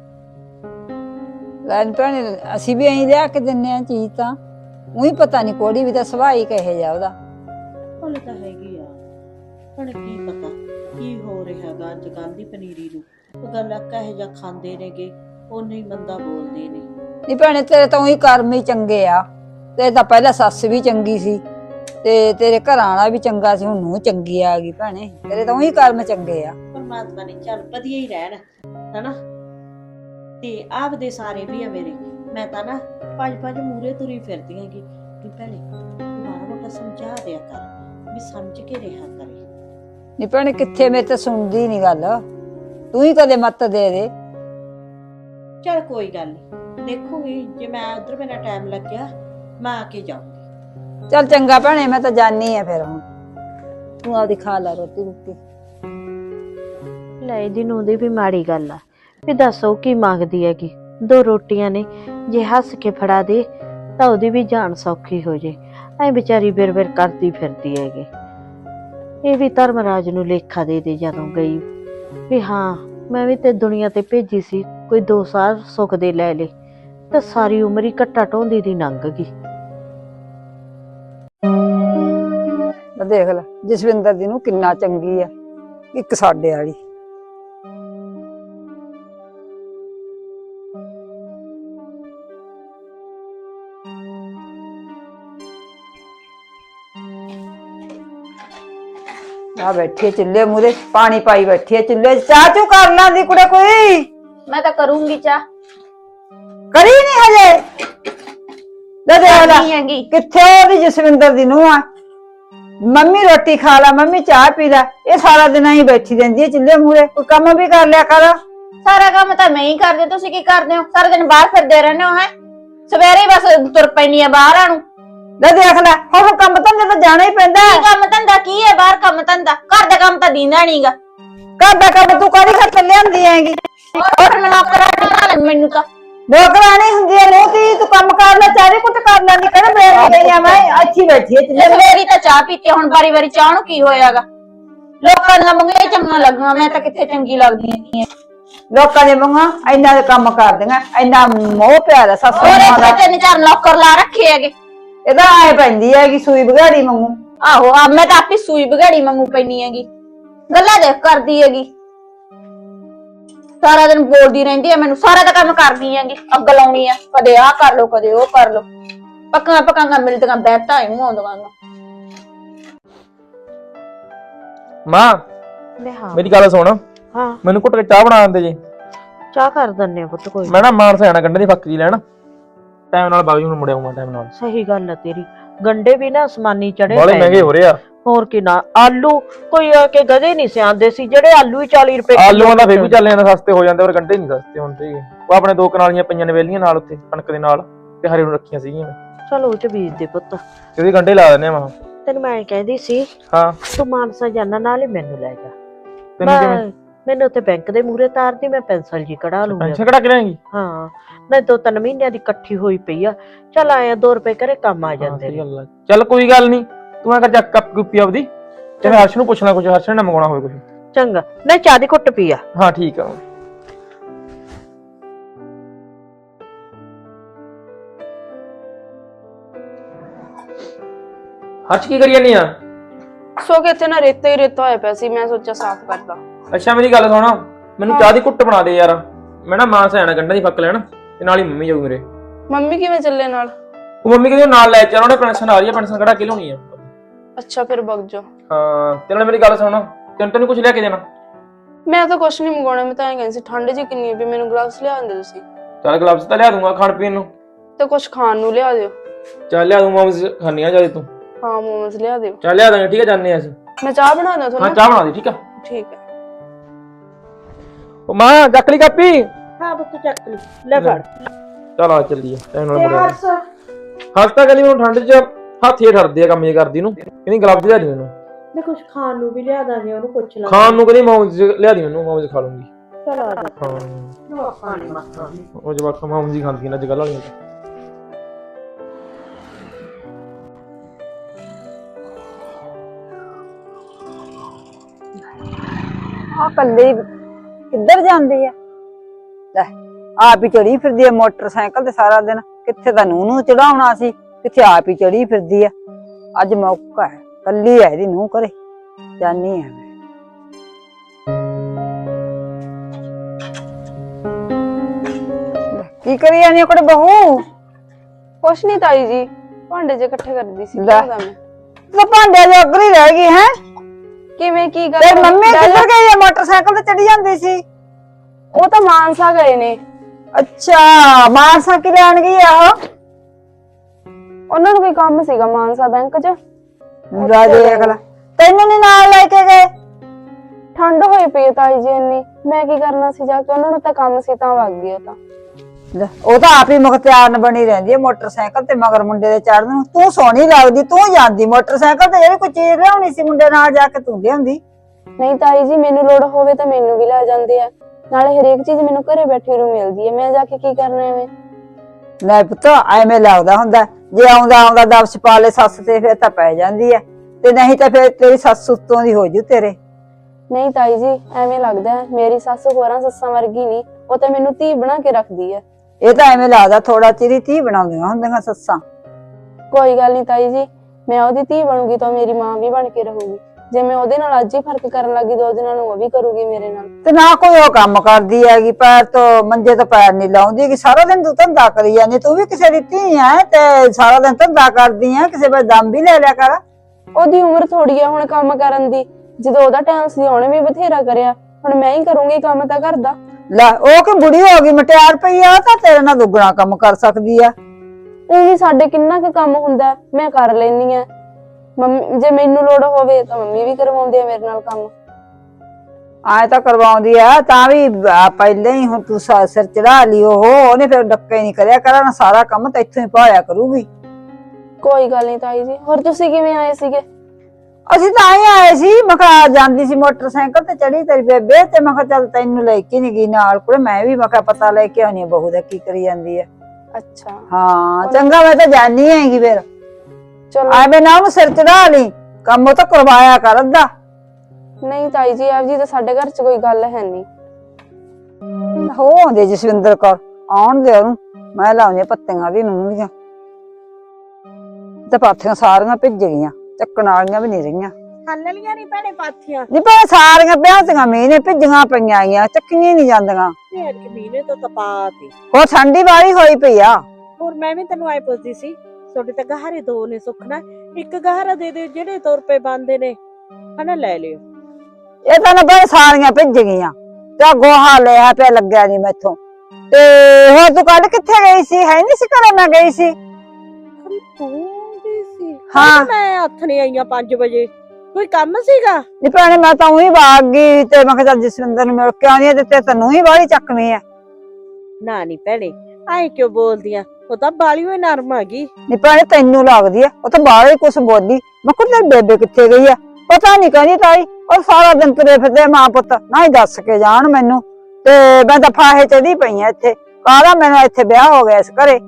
S1: ਲੈ ਭੈਣੇ ਅਸੀਂ ਵੀ ਐਂ ਲਿਆ ਕੇ ਦਿੰਨੇ ਆ ਚੀਜ਼ ਤਾਂ। ਉਹੀ ਪਤਾ ਨਹੀਂ ਕੋੜੀ ਵੀ ਤਾਂ ਸੁਭਾਅ ਕਿਹੋ ਜਿਹਾ ਉਹਦਾ।
S2: ਭੁੱਲ ਤਾਂ ਹੈਗੀ ਆ, ਹੁਣ ਕੀ ਪਤਾ ਕੀ ਹੋ ਰਿਹਾ ਗਾ ਅੱਜ ਕੱਲ ਦੀ ਪਨੀਰੀ ਨੂੰ। ਉਹ ਗੱਲ ਕਿਹੋ ਜਿਹਾ ਖਾਂਦੇ ਨੇਗੇ, ਉਹਨੇ ਹੀ ਮੰਦਾ ਬੋਲਦੇ ਨੇ।
S1: ਨੀ ਭੈਣੇ ਤੇਰੇ ਤਾਂ ਉਹੀ ਕਰਮ ਹੀ ਚੰਗੇ ਆ। ਤੇਰੇ ਤਾਂ ਪਹਿਲਾਂ ਸੱਸ ਵੀ ਚੰਗੀ ਸੀ ਤੇ ਤੇਰੇ ਘਰ ਵਾਲਾ ਵੀ ਚੰਗਾ ਸੀ, ਹੁਣ ਨੂੰ ਚੰਗੀ ਆ ਗਈ ਭੈਣੇ। ਤੇਰੇ ਤਾਂ ਉਹੀ ਕਰਮ ਚੰਗੇ ਆ।
S2: ਪਰਮਾਤਮਾ ਨੇ ਚੱਲ ਵਧੀਆ ਹੀ ਰਹਿਣ ਹਨਾ। ਤੇ ਆਪਦੇ ਸਾਰੇ ਵੀ ਆ ਮੇਰੇ। ਮੈਂ ਤਾਂ ਨਾ ਪੰਜ ਮੂਰੇ ਤੁਰੀ ਫਿਰਦੀ ਹੈਗੀ ਕਿ ਭੈਣੇ ਮਾੜਾ ਮੋਟਾ ਸਮਝਾ ਦਿਆ ਕਰ, ਵੀ ਸਮਝ ਕੇ ਰਿਹਾ ਕਰੇ।
S1: ਨੀ ਭੈਣੇ ਕਿੱਥੇ ਮੇਰੇ ਤਾਂ ਸੁਣਦੀ ਨੀ ਗੱਲ। ਤੂੰ ਹੀ ਕਦੇ ਮੱਤ ਦੇ ਦੇ।
S2: ਚੱਲ ਕੋਈ ਗੱਲ ਨੀ, ਦੇਖੂਗੀ ਜੇ ਮੈਂ ਉਧਰ ਮੇਰਾ ਟਾਈਮ ਲੱਗਿਆ ਮੈਂ ਆ ਕੇ ਜਾਊਂਗੀ।
S1: ਚੱਲ ਚੰਗਾ ਭੈਣੇ ਮੈਂ ਤਾਂ ਜਾਨੀ ਆ ਫਿਰ। ਹੁਣ ਤੂੰ ਆਪਦੀ ਖਾ ਲੈ ਰੋਟੀ ਰੋਟੀ।
S2: ਲੈ ਇਹਦੀ ਨੂੰ ਦੀ ਵੀ ਮਾੜੀ ਗੱਲ ਆ। ਵੀ ਦੱਸੋ ਕੀ ਮੰਗਦੀ ਹੈਗੀ? 2 ਰੋਟੀਆਂ ਨੇ, ਜੇ ਹੱਸ ਕੇ ਫੜਾ ਦੇ ਤਾਂ ਉਹਦੀ ਵੀ ਜਾਨ ਸੌਖੀ ਹੋ ਜੇ। ਐ ਵਿਚਾਰੀ ਬਿਰ ਕਰਦੀ ਫਿਰਦੀ ਹੈਗੀ। ਇਹ ਵੀ ਧਰਮਰਾਜ ਨੂੰ ਲੇਖਾ ਦੇ ਜਦੋਂ ਗਈ ਵੀ ਹਾਂ ਮੈਂ ਵੀ ਤੇ ਦੁਨੀਆ ਤੇ ਭੇਜੀ ਸੀ, ਕੋਈ 2 ਸਾਲ ਸੁੱਖ ਦੇ ਲੈ ਲੇ ਤਾਂ ਸਾਰੀ ਉਮਰ ਹੀ ਘੱਟਾ ਢੋਂਦੀ ਦੀ ਲੰਘ ਗਈ।
S1: ਦੇਖ ਲੈ ਜਸਵਿੰਦਰ ਦੀ ਨੂੰ ਕਿੰਨਾ ਚੰਗੀ ਆ, ਇੱਕ ਸਾਡੇ ਵਾਲੀ। ਆ ਬੈਠੀ ਚੁੱਲ੍ਹੇ ਮੂਹਰੇ ਪਾਣੀ ਪਾਈ ਬੈਠੀ ਹੈ ਚੁੱਲ੍ਹੇ। ਚਾਹ ਚੂ ਕਰ ਲਾਂਦੀ ਕੁੜੇ ਕੋਈ? ਮੈਂ ਤਾਂ ਕਰੂੰਗੀ ਚਾਹ। ਕਰੀ ਨਹੀਂ ਹਜੇ? ਲੈ ਦੇਖ ਲੈ ਕਿੱਥੇ ਉਹਦੀ ਜਸਵਿੰਦਰ ਦੀ ਨੂੰ ਆ। ਮੰਮੀ ਰੋਟੀ ਖਾ ਲਾ, ਮੰਮੀ ਚਾਹ ਪੀ ਲੈ। ਇਹ ਸਾਰਾ ਦਿਨ ਹੀ ਬੈਠੀ ਰਹਿੰਦੀ ਹੈ ਚੁੱਲ੍ਹੇ ਮੂਹਰੇ। ਕੋਈ ਕੰਮ ਵੀ ਕਰ ਲਿਆ ਕਰ।
S4: ਸਾਰਾ ਕੰਮ ਤਾਂ ਮੈਂ ਹੀ ਕਰਦੀ, ਤੁਸੀਂ ਕੀ ਕਰਦੇ ਹੋ? ਸਾਰਾ ਦਿਨ ਬਾਹਰ ਫਿਰਦੇ ਰਹਿੰਦੇ ਹੋ। ਹੈ ਸਵੇਰੇ ਹੀ ਬਸ ਤੁਰ ਪੈਣੀ ਆ ਬਾਹਰਾਂ ਨੂੰ।
S1: ਲੈ ਦੇਖ ਲੈ ਹੁਣ ਕੰਮ ਧੰਦੇ ਤਾਂ ਜਾਣਾ ਹੀ ਪੈਂਦਾ।
S4: ਕੀ ਕੰਮ ਧੰਦਾ ਕੀ ਹੈ ਬਾਹਰ? ਕੰਮ ਧੰਦਾ ਘਰ ਦਾ ਕੰਮ ਤਾਂ ਦੀਂਦਾ ਨਹੀਂਗਾ।
S1: ਘਰ ਦਾ ਕੰਮ ਤੂੰ ਕਾਹਦੀ ਖਾਤਰ ਲਿਆਂਦੀ ਹੈਗੀ?
S4: ਮੈਨੂੰ ਤਾਂ
S1: ਨੌਕਰਾਣੀ ਹੁੰਦੀ ਹੈ ਲੋਕੀ। ਤੂੰ ਕੰਮ ਕਰ ਲੈ, ਚਾਹ ਦੀ ਕੁੱਟ ਕਰ ਲੈਂਦੀ। ਕਹਿੰਦਾ ਮੈਂ ਗਈ ਆ, ਮੈਂ ਅੱਛੀ ਬੈਠੀ ਹੈ।
S4: ਮੇਰੀ ਤਾਂ ਚਾਹ ਪੀਤੀ, ਹੁਣ ਵਾਰੀ ਚਾਹ ਨੂੰ ਕੀ ਹੋਇਆਗਾ? ਲੋਕਾਂ ਦੀਆਂ ਮੰਗੀਆਂ ਚੰਗੀਆਂ ਲੱਗੀਆਂ, ਮੈਂ ਤਾਂ ਕਿੱਥੇ ਚੰਗੀ ਲੱਗਦੀ
S1: ਲੋਕਾਂ ਦੇ ਮੰਗਾ ਇੰਨਾ ਦੇ ਕੰਮ ਕਰਦੀਆਂ, ਇੰਨਾ ਮੋਹ ਪਿਆਰ ਸੱਸ
S4: ਹੋਰ
S1: ਮਾਂ ਦਾ।
S4: ਇੱਥੇ 3-4 ਨੌਕਰ ਲਾ ਰੱਖੇ ਹੈਗੇ।
S1: ਇਹਦਾ ਆਏ ਪੈਂਦੀ ਹੈਗੀ ਸੂਈ ਬਗਾੜੀ ਮੰਗੂ।
S4: ਆਹੋ ਆ ਮੈਂ ਤਾਂ ਆਪੀ ਸੂਈ ਬਗਾੜੀ ਵਾਂਗੂ ਪੈਣੀ ਹੈਗੀ, ਗੱਲਾਂ ਦੇਖ ਕਰਦੀ ਹੈਗੀ, ਸਾਰਾ ਦਿਨ ਬੋਲਦੀ ਰਹਿੰਦੀ ਹੈ ਮੈਨੂੰ, ਸਾਰਾ ਦਾ ਕੰਮ ਕਰਦੀ ਹੈਗੀ, ਅੱਗ ਲਾਉਣੀ ਆ, ਕਦੇ ਆਹ ਕਰ ਲੋ ਕਦੇ ਉਹ ਕਰ ਲੋ, ਪੱਕਾ ਪੱਕਾ ਮਿਲਦੀਆਂ ਬੈਠਾ ਹੀ ਮੂੰਹ ਆਉਂਦੀਆਂ।
S5: ਮਾਂ
S2: ਲੈ ਹਾਂ
S5: ਮੇਰੀ ਗੱਲ ਸੁਣ,
S2: ਹਾਂ
S5: ਮੈਨੂੰ ਘੁੱਟ ਕੇ ਚਾਹ ਬਣਾ ਦਿੰਦੇ ਜੀ।
S2: ਚਾਹ ਕਰ ਦਿੰਨੇ ਆ ਪੁੱਤ ਕੋਈ।
S5: ਮੈਂ ਨਾ ਮਾਨਸਾ ਜਾਣਾ ਗੰਢੇ ਦੀ ਫੱਕੀ ਲੈਣ, ਟਾਈਮ ਨਾਲ ਬਾਗੀ ਹੁਣ ਮੁੜ ਆਉਂਗਾ ਟਾਈਮ ਨਾਲ।
S2: ਸਹੀ ਗੱਲ ਆ ਤੇਰੀ, ਗੰਡੇ ਵੀ ਨਾ ਅਸਮਾਨੀ ਚੜੇ
S5: ਬਾਲੇ ਮਹਿੰਗੇ ਹੋ ਰਹੇ ਆ।
S2: ਹੋਰ ਕੀ ਨਾ, ਆਲੂ ਕੋਈ ਆ ਕੇ ਗਧੇ ਨਹੀਂ ਸਿਆਂਦੇ ਸੀ ਜਿਹੜੇ ਆਲੂ ਹੀ 40 ਰੁਪਏ
S5: ਆਲੂਆਂ ਦਾ ਫੇਰ ਵੀ ਚੱਲ ਜਾਂਦਾ, ਸਸਤੇ ਹੋ ਜਾਂਦੇ, ਪਰ ਗੰਢੇ ਨਹੀਂ ਸਸਤੇ ਹੁੰਦੇ। ਉਹ ਆਪਣੇ 2 ਕਨਾਲੀਆਂ ਪਈਆਂ ਨੇ ਵੇਲੀਆਂ ਨਾਲ ਉੱਤੇ ਕਣਕ ਦੇ ਨਾਲ, ਤੇ ਹਰੇ ਨੂੰ ਰੱਖੀਆਂ ਸੀਗੀਆਂ।
S2: ਚਲੋ ਉਹ ਚ ਬੀਜ ਦੇ ਪੁੱਤ।
S5: ਇਹਦੇ ਗੰਢੇ ਲਾ ਦਿੰਦੇ ਆ ਮਾਂ।
S2: ਤੈਨੂੰ ਮੈਂ ਕਹਿੰਦੀ ਸੀ
S5: ਹਾਂ
S2: ਤੂੰ ਮਾਨਸਾ ਜਾਣਾ, ਨਾਲ ਹੀ ਮੈਨੂੰ ਲੈ ਜਾ।
S5: ਤੈਨੂੰ ਕਿਵੇਂ
S2: ਮੈਨੂੰ ਉੱਥੇ ਬੈਂਕ ਦੇ ਮੂਹਰੇ ਤਾਰਦੀ, ਮੈਂ ਪੈਨਸਲ ਜੀ ਕਢਾ ਲੂੰਗੀ।
S5: ਪੈਨਸ਼ਨ ਕਢਾ ਕੇ ਲਿਆਏਂਗੀ?
S2: ਹਾਂ ਨਹੀਂ 2-3 ਮਹੀਨਿਆਂ ਦੀ ਇਕੱਠੀ ਹੋਈ ਪਈ ਆ, ਚੱਲ ਆਇਆ 2 ਰੁਪਏ ਘਰੇ ਕੰਮ ਆ ਜਾਂਦੇ ਨੇ।
S5: ਚੱਲ ਕੋਈ ਗੱਲ ਨਹੀਂ, ਤੂੰ ਐ ਕਰ ਚੱਕ ਕੱਪ ਕੁੱਪੀ ਆਪਦੀ, ਤੇ ਮੈਂ ਹਰਸ਼ ਨੂੰ ਪੁੱਛਣਾ ਕੁਝ, ਹਰਸ਼ ਨੇ ਨਾ ਮੰਗਵਾਉਣਾ ਹੋਵੇ ਕੁਝ।
S2: ਚੰਗਾ ਨਹੀਂ ਚਾਹ ਦੀ ਘੁੱਟ ਪੀ ਆ।
S5: ਹਾਂ ਠੀਕ ਆ। ਹਰਸ਼ ਕੀ ਕਰੀ ਜਾਨੀ ਆ?
S3: ਸੋ ਕੇ ਇੱਥੇ ਨਾ ਰੇਤਾ ਹੀ ਰੇਤਾ ਹੋਇਆ ਪਿਆ ਸੀ, ਮੈਂ ਸੋਚਿਆ ਸਾਫ਼ ਕਰਦਾ।
S5: ਅੱਛਾ ਮੇਰੀ ਗੱਲ ਸੁਣ, ਮੈਨੂੰ ਚਾਹ ਦੀ ਘੁੱਟ ਬਣਾ ਦੇ ਯਾਰ, ਮੈਂ ਨਾ ਮਾਨਸਾ ਜਾਣਾ ਗੰਢਾਂ ਦੀ ਫੱਕ ਲੈਣ, ਤੇ ਨਾਲ ਹੀ ਮੰਮੀ ਜਾਊ ਮੇਰੇ।
S3: ਮੰਮੀ ਕਿਵੇਂ ਚੱਲੇ ਨਾਲ?
S5: ਉਹ ਮੰਮੀ ਕਹਿੰਦੀ ਨਾਲ ਲੈ ਚੱਲ, ਉਹਨੇ ਪੈਨਸ਼ਨ ਆ ਰਹੀ ਹੈ, ਪੈਨਸ਼ਨ ਕਢਾ ਕੇ ਲਿਆਉਣੀ ਆ।
S3: ਅੱਛਾ ਫਿਰ ਵਗ ਜਾ।
S5: ਹਾਂ ਤੇ ਨਾਲ ਮੇਰੀ ਗੱਲ ਸੁਣ, ਤੈਨੂੰ ਕੁਝ ਲਿਆ ਕੇ ਦੇਣਾ?
S3: ਮੈਂ ਤਾਂ ਕੁਛ ਨਹੀਂ ਮੰਗਵਾਉਣਾ, ਮੈਂ ਤਾਂ ਐਂ ਕਹਿੰਦੀ ਸੀ ਠੰਡ ਜੀ ਕਿੰਨੀ ਵੀ, ਮੈਨੂੰ ਗਲਾਸ ਲਿਆ ਦਿੰਦੇ ਤੁਸੀਂ।
S5: ਚੱਲ ਗਲਾਸ ਤਾਂ ਲਿਆ ਦੂੰਗਾ ਖਾਣ ਪੀਣ ਨੂੰ,
S3: ਤੇ ਕੁਛ ਖਾਣ ਨੂੰ ਲਿਆ ਦਿਓ।
S5: ਚੱਲ ਲਿਆ ਦੂੰ, ਮੋਮਸ ਖਾਣੀ ਆ ਜਾਦੇ ਤੂੰ।
S3: ਹਾਂ ਮੋਮੋਸ ਲਿਆ ਦਿਓ।
S5: ਚੱਲ ਲਿਆ ਦਾਂਗੇ, ਠੀਕ ਹੈ ਜਾਂਦੇ ਆ ਅਸੀਂ।
S3: ਮੈਂ ਚਾਹ ਬਣਾ ਦਾਂ
S5: ਹਾਂ
S3: ਤੁਹਾਨੂੰ?
S5: ਚਾਹ ਬਣਾ ਦੇ, ਠੀਕ ਆ।
S3: ਠੀਕ ਹੈ।
S5: ਉਹ ਮਾਂ ਚੱਕ ਲਈ ਕਾਪੀ।
S2: ਹਾਂ ਪੁੱਤ ਚੱਕ ਲਈ, ਲੈ ਫੜ।
S5: ਚੱਲ ਆ ਚੱਲੀਏ ਟਾਈਮ ਨਾਲ ਬੜਾ। ਹੱਸ ਤਾਂ ਕਹਿੰਦੀ ਮੈਨੂੰ ਠੰਡ 'ਚ ਹੱਥ ਹੀ ਠਰਦੇ ਆ ਕੰਮ ਜੇ ਕਰਦੀ ਨੂੰ, ਕਹਿੰਦੀ ਗਲਵਜ਼ ਲਿਆ ਦੀ ਮੈਨੂੰ।
S2: ਮੈਂ ਕੁਝ ਖਾਣ ਨੂੰ ਵੀ ਲਿਆ ਦਾਂਗੇ, ਉਹਨੂੰ ਪੁੱਛ ਲਾ।
S5: ਖਾਣ ਨੂੰ ਕਹਿੰਦੀ ਮੋਮਸ ਲਿਆ ਦੀ ਮੈਨੂੰ, ਮੋਮਸ ਖਾ ਲੂੰਗੀ।
S2: ਚਲ ਆ ਜਾ।
S5: ਹਾਂ
S2: ਜਵਾਕਾਂ ਨੇ ਮਸਾਂ
S5: ਉਹ ਜਵਾਕ ਮੋਮਸ ਹੀ ਖਾਂਦੀਆਂ ਅੱਜ ਕੱਲ੍ਹ ਵਾਲੀਆਂ।
S1: ਆ ਕੱਲੇ ਕਿੱਧਰ ਜਾਂਦੀ ਆ? ਲੈ ਆਪ ਹੀ ਚੜੀ ਫਿਰਦੀ ਆ ਮੋਟਰਸਾਈਕਲ ਤੇ ਸਾਰਾ ਦਿਨ, ਕਿੱਥੇ ਤਾਂ ਨੂੰ ਚੜਾਉਣਾ ਸੀ, ਕਿੱਥੇ ਆਪ ਹੀ ਚੜੀ ਫਿਰਦੀ ਆ। ਅੱਜ ਮੌਕਾ ਹੈ, ਕੱਲੀ ਹੈ ਇਹਦੀ ਨੂੰ ਘਰੇ, ਜਾਨੀ ਆ ਮੈਂ। ਲੈ, ਕੀ ਕਰੀ ਜਾਨੀ ਕੋੜੇ ਬਹੂ?
S3: ਕੁਛ ਨਹੀਂ ਤਾਈ ਜੀ, ਭਾਂਡੇ ਜੇ ਇਕੱਠੇ ਕਰਦੀ ਸੀ।
S1: ਲੈ।
S3: ਕਿਹਦਾ ਮੈਂ
S1: ਤੂੰ ਭਾਂਡੇ ਦੇ ਅੱਗਰ ਹੀ ਰਹਿ ਗਈ ਹੈ।
S3: ਕਿਵੇਂ ਕੀ ਗੱਲ?
S1: ਤੇਰੀ ਮੰਮੀ ਕਿੱਧਰ ਗਈ ਆ? ਮੋਟਰਸਾਈਕਲ ਤੇ ਚੜੀ ਜਾਂਦੀ ਸੀ।
S3: ਉਹ ਤਾਂ ਮਾਨਸਾ ਗਏ ਨੇ।
S1: ਅੱਛਾ ਮਾਨਸਾ ਕੀ ਲੈਣ ਗਈ ਆ ਉਹ?
S3: ਉਹਨਾਂ ਨੂੰ ਕੋਈ ਕੰਮ ਸੀਗਾ ਮਾਨਸਾ ਬੈਂਕ 'ਚ।
S1: ਲੈ ਦੇਖ ਲੈ, ਤੈਨੂੰ ਨੀ ਨਾਲ ਲੈ ਕੇ ਗਏ?
S3: ਠੰਡ ਹੋਈ ਪਈ ਹੈ ਤਾਈ ਜੀ ਇੰਨੀ, ਮੈਂ ਕੀ ਕਰਨਾ ਸੀ ਜਾ ਕੇ, ਉਹਨਾਂ ਨੂੰ ਤਾਂ ਕੰਮ ਸੀ ਤਾਂ ਵਗ ਗਈ ਉਹ ਤਾਂ।
S1: ਲੈ, ਉਹ ਤਾਂ ਆਪ ਹੀ ਮੁਖਤਿਆਰ ਬਣੀ ਰਹਿੰਦੀ ਹੈ ਮੋਟਰਸਾਈਕਲ ਤੇ ਮਗਰ ਮੁੰਡੇ ਦੇ ਚੜਨ ਨੂੰ। ਤੂੰ ਸੋਹਣੀ ਲੱਗਦੀ, ਤੂੰ ਜਾਂਦੀ ਮੋਟਰਸਾਈਕਲ ਤੇ, ਜਿਹੜੀ ਕੋਈ ਚੀਜ਼ ਲਿਆਉਣੀ ਸੀ ਮੁੰਡੇ ਨਾਲ ਜਾ ਕੇ ਤੂੰ ਲਿਆਉਂਦੀ।
S3: ਨਹੀਂ ਤਾਈ ਜੀ, ਮੈਨੂੰ ਲੋੜ ਹੋਵੇ ਤਾਂ ਮੈਨੂੰ ਵੀ ਲੈ ਜਾਂਦੇ ਆ, ਨਾਲੇ ਹਰੇਕ ਚੀਜ਼ ਮੈਨੂੰ ਘਰੇ ਬੈਠੀ ਨੂੰ ਮਿਲਦੀ ਹੈ, ਮੈਂ ਜਾ ਕੇ ਕੀ ਕਰਨਾ ਐਵੇਂ।
S1: ਲੈ ਪੁੱਤ ਐਵੇਂ ਲੱਗਦਾ ਹੁੰਦਾ, ਜੇ ਆਉਂਦਾ ਆਉਂਦਾ ਦਬਸ ਪਾ ਲੈ ਸੱਸ ਤੇ ਫਿਰ ਤਾਂ ਪੈ ਜਾਂਦੀ ਹੈ, ਤੇ ਨਹੀਂ ਤਾਂ ਫਿਰ ਤੇਰੀ ਸੱਸ ਉੱਤੋਂ ਦੀ ਹੋ ਜੂ ਤੇਰੇ।
S3: ਨਹੀਂ ਤਾਈ ਜੀ, ਐਵੇਂ ਲੱਗਦਾ ਹੈ ਮੇਰੀ ਸੱਸ ਹੋਰਾਂ ਸੱਸਾਂ ਵਰਗੀ ਨਹੀਂ, ਉਹ ਤਾਂ ਮੈਨੂੰ ਧੀ ਬਣਾ ਕੇ ਰੱਖਦੀ ਹੈ।
S1: ਇਹ ਤਾਂ ਐਵੇਂ ਲੱਗਦਾ ਥੋੜਾ ਚਿਰ ਹੀ ਧੀ ਬਣਾਉਂਦੀਆਂ ਹੁੰਦੀਆਂ ਸੱਸਾਂ।
S3: ਕੋਈ ਗੱਲ ਨਹੀਂ ਤਾਈ ਜੀ, ਮੈਂ ਉਹਦੀ ਧੀ ਬਣੂਗੀ ਤਾਂ ਮੇਰੀ ਮਾਂ ਵੀ ਬਣ ਕੇ ਰਹੂਗੀ। ਜੇ ਮੈਂ ਉਹਦੇ ਨਾਲ ਅੱਜ ਹੀ ਫਰਕ ਕਰਨ ਲੱਗੀ ਤਾਂ ਉਹਦੇ ਨਾਲ ਉਹ ਵੀ ਕਰੂਗੀ ਮੇਰੇ ਨਾਲ।
S1: ਤੇ ਨਾ ਕੋਈ ਉਹ ਕੰਮ ਕਰਦੀ ਹੈਗੀ, ਪੈਰ ਤੋਂ ਮੰਜੇ ਤੋਂ ਪੈਰ ਨਹੀਂ ਲਾਉਂਦੀ, ਕਿ ਸਾਰਾ ਦਿਨ ਤੂੰ ਧੰਦਾ ਕਰੀ ਜਾਂਦੀ। ਤੂੰ ਵੀ ਕਿਸੇ ਦੀ ਧੀ ਹੈ ਤੇ ਸਾਰਾ ਦਿਨ ਧੰਦਾ ਕਰਦੀ ਹੈ, ਕਿਸੇ ਵੇਲੇ ਦਮ ਵੀ ਲੈ ਲਿਆ ਕਰ।
S3: ਉਹਦੀ ਉਮਰ ਥੋੜੀ ਆ ਹੁਣ ਕੰਮ ਕਰਨ ਦੀ, ਜਦੋਂ ਉਹਦਾ ਟਾਈਮ ਸੀ ਉਹਨੇ ਵੀ ਬਥੇਰਾ ਕਰਿਆ, ਹੁਣ ਮੈਂ ਹੀ ਕਰੂੰਗੀ ਕੰਮ ਤਾਂ ਘਰ ਦਾ।
S1: ਲੈ ਉਹ ਕਿ ਬੁੜੀ ਹੋ ਗਈ, ਮਟਿਆਰ ਪਈ ਆ, ਤਾਂ ਤੇਰੇ ਨਾਲ ਦੁੱਗਣਾ ਕੰਮ ਕਰ ਸਕਦੀ ਆ।
S3: ਉਹ ਵੀ ਸਾਡੇ ਕਿੰਨਾ ਕੁ ਕੰਮ ਹੁੰਦਾ, ਮੈਂ ਕਰ ਲੈਂਦੀ ਆ। ਮੰਮੀ ਜੇ ਮੈਨੂੰ ਲੋੜ ਹੋਵੇ ਤਾਂ ਮੰਮੀ ਵੀ ਕਰਵਾਉਂਦੇ ਆ ਮੇਰੇ ਨਾਲ ਕੰਮ।
S1: ਆਏ ਤਾਂ ਕਰਵਾਉਂਦੀ ਆ, ਤਾਂ ਵੀ ਪਹਿਲਾਂ ਹੀ ਹੁਣ ਤੂੰ ਸਿਰ ਚੜਾ ਲਈ। ਉਹਨੇ ਫਿਰ ਡੱਕੇ ਨਹੀਂ ਕਰਿਆ ਕਰਨਾ, ਸਾਰਾ ਕੰਮ ਤਾਂ ਇੱਥੋਂ ਹੀ ਪਾਇਆ ਕਰੂਗੀ।
S3: ਕੋਈ ਗੱਲ ਨਹੀਂ ਤਾਈ ਜੀ। ਹੋਰ ਤੁਸੀਂ ਕਿਵੇਂ ਆਏ ਸੀਗੇ?
S1: ਅਸੀਂ ਤਾਂ ਆਏ ਆਏ ਸੀ, ਮੈਂ ਕਿਹਾ ਜਾਂਦੀ ਸੀ ਮੋਟਰਸਾਈਕਲ ਤੇ ਚੜੀ ਤੇਰੀ ਬੇਬੇ, ਤੇ ਮੈਂ ਕਿਹਾ ਚੱਲ ਤੈਨੂੰ ਲੈ ਕੇ ਨੀ ਗਈ ਨਾਲ ਕੋਲੇ, ਮੈਂ ਵੀ ਮੈਂ ਕਿਹਾ ਪਤਾ ਲੈ ਕੇ ਆਉਣੀ ਬਹੂ ਦਾ ਕੀ ਕਰੀ ਜਾਂਦੀ ਹੈ।
S3: ਅੱਛਾ
S1: ਹਾਂ ਚੰਗਾ, ਮੈਂ ਤਾਂ ਜਾਣੀ ਹੈਗੀ ਫਿਰ।
S3: ਚਲੋ।
S1: ਆਵੇ ਨਾ ਉਹਨੂੰ ਸਿਰ ਚੜਾ ਲਈ, ਕੰਮ ਉਹ ਤਾਂ ਕਰਵਾਇਆ ਕਰ ਅੱਧਾ।
S3: ਨਹੀਂ ਤਾਈ ਜੀ, ਆਪ ਜੀ ਤਾਂ ਸਾਡੇ ਘਰ 'ਚ ਕੋਈ ਗੱਲ ਹੈ ਨਹੀਂ।
S1: ਹੋ ਆਉਂਦੇ ਜਸਵਿੰਦਰ ਕੌਰ ਆਉਣ ਦੇ ਉਹਨੂੰ ਮੈਂ ਲਾਉਂਦੀ ਪੱਤੀਆਂ ਦੀ ਨੂੰਹ ਦੀਆਂ ਤੇ ਪਾਥੀਆਂ ਸਾਰੀਆਂ ਭਿੱਜ ਗਈਆਂ ਚੱਕਣ ਵਾਲੀਆਂ ਵੀ ਨਹੀਂ ਰਹੀਆਂ
S2: ਖਾਣ ਲੀਆਂ ਨਹੀਂ ਭੈਣੇ ਪਾਥੀਆਂ
S1: ਨੀ ਭੈਣੇ ਸਾਰੀਆਂ ਵਿਆਹਤੀਆਂ ਮੀਂਹ ਨੇ ਭਿੱਜੀਆਂ ਪਈਆਂ ਆਈਆਂ ਚੱਕੀਆਂ ਨਹੀਂ ਜਾਂਦੀਆਂ
S2: ਫੇਰ ਕਿ ਮੀਨੇ ਤੋਂ ਤਪਾਤੀ
S1: ਉਹ ਠੰਡੀ ਵਾਲੀ ਹੋਈ ਪਈ ਆ
S2: ਹੋਰ ਮੈਂ ਵੀ ਤੈਨੂੰ ਆਏ ਪੁੱਛਦੀ ਸੀ ਤੁਹਾਡੇ ਤਾਂ ਗਹਾਰੇ ਦੋ ਨੇ ਸੁਖਣਾ ਇੱਕ ਗਹਾਰਾ ਦੇ ਦੇ ਜਿਹੜੇ ਤੁਰ ਪਏ ਬੰਦੇ ਨੇ ਹਨਾ ਲੈ ਲਿਓ
S1: ਇਹ ਤਾਂ ਨਾ ਭੈਣੇ ਸਾਰੀਆਂ ਭਿੱਜ ਗਈਆਂ ਤੇ ਗੋਹਾ ਲਿਆ ਪਿਆ ਲੱਗਿਆ ਨਹੀਂ ਮੈਥੋਂ ਤੇ ਹੋਰ ਤੂੰ ਕੱਲ ਕਿੱਥੇ ਗਈ ਸੀ ਹੈ ਨਹੀਂ ਸੀ ਘਰੇ ਮੈਂ ਗਈ ਸੀ
S2: ਤੂੰ ਗਈ ਸੀ
S1: ਹਾਂ।
S2: ਮੈਂ ਹੱਥ ਨਹੀਂ ਆਈਆਂ 5 ਵਜੇ ਕੋਈ ਕੰਮ ਸੀਗਾ
S1: ਨੀ ਭੈਣੇ ਮੈਂ ਤਾਂ ਉਹੀ ਭਾਗ ਗਈ ਤੇ ਮੈਂ ਕਿਹਾ ਚੱਲ ਜਸਵਿੰਦਰ ਨੂੰ ਮਿਲ ਕੇ ਆਉਂਦੀ ਆ ਤੇ ਤੈਨੂੰ ਹੀ ਬਾਹਲੀ ਚੱਕਵੀਂ ਆ
S2: ਨਾ ਨਹੀਂ ਭੈਣੇ ਆਏ ਕਿਉਂ ਬੋਲਦੀਆਂ ਉਹ ਤਾਂ ਬਾਲੀ ਹੋਈ ਨਰਮ ਆ ਗਈ
S1: ਨੀ ਭੈਣੇ ਤੈਨੂੰ ਲੱਗਦੀ ਆ ਉਹ ਤਾਂ ਬਾਹਲੇ ਕੁਛ ਬੋਲੀ ਮੈਂ ਕਿਹਾ ਤੇਰੀ ਬੇਬੇ ਕਿੱਥੇ ਗਈ ਆ ਪਤਾ ਨਹੀਂ ਕਹਿੰਦੀ ਤਾਈ ਉਹ ਸਾਰਾ ਦਿਨ ਤੁਰੇ ਫਿਰਦੇ ਮਾਂ ਪੁੱਤ ਨਾ ਹੀ ਦੱਸ ਕੇ ਜਾਣ ਮੈਨੂੰ ਤੇ ਮੈਂ ਤਾਂ ਫਾਹੇ ਚੜੀ ਪਈ ਆ ਇੱਥੇ ਕਾਹਦਾ ਮੈਨੂੰ ਇੱਥੇ ਵਿਆਹ ਹੋ ਗਿਆ ਇਸ ਘਰੇ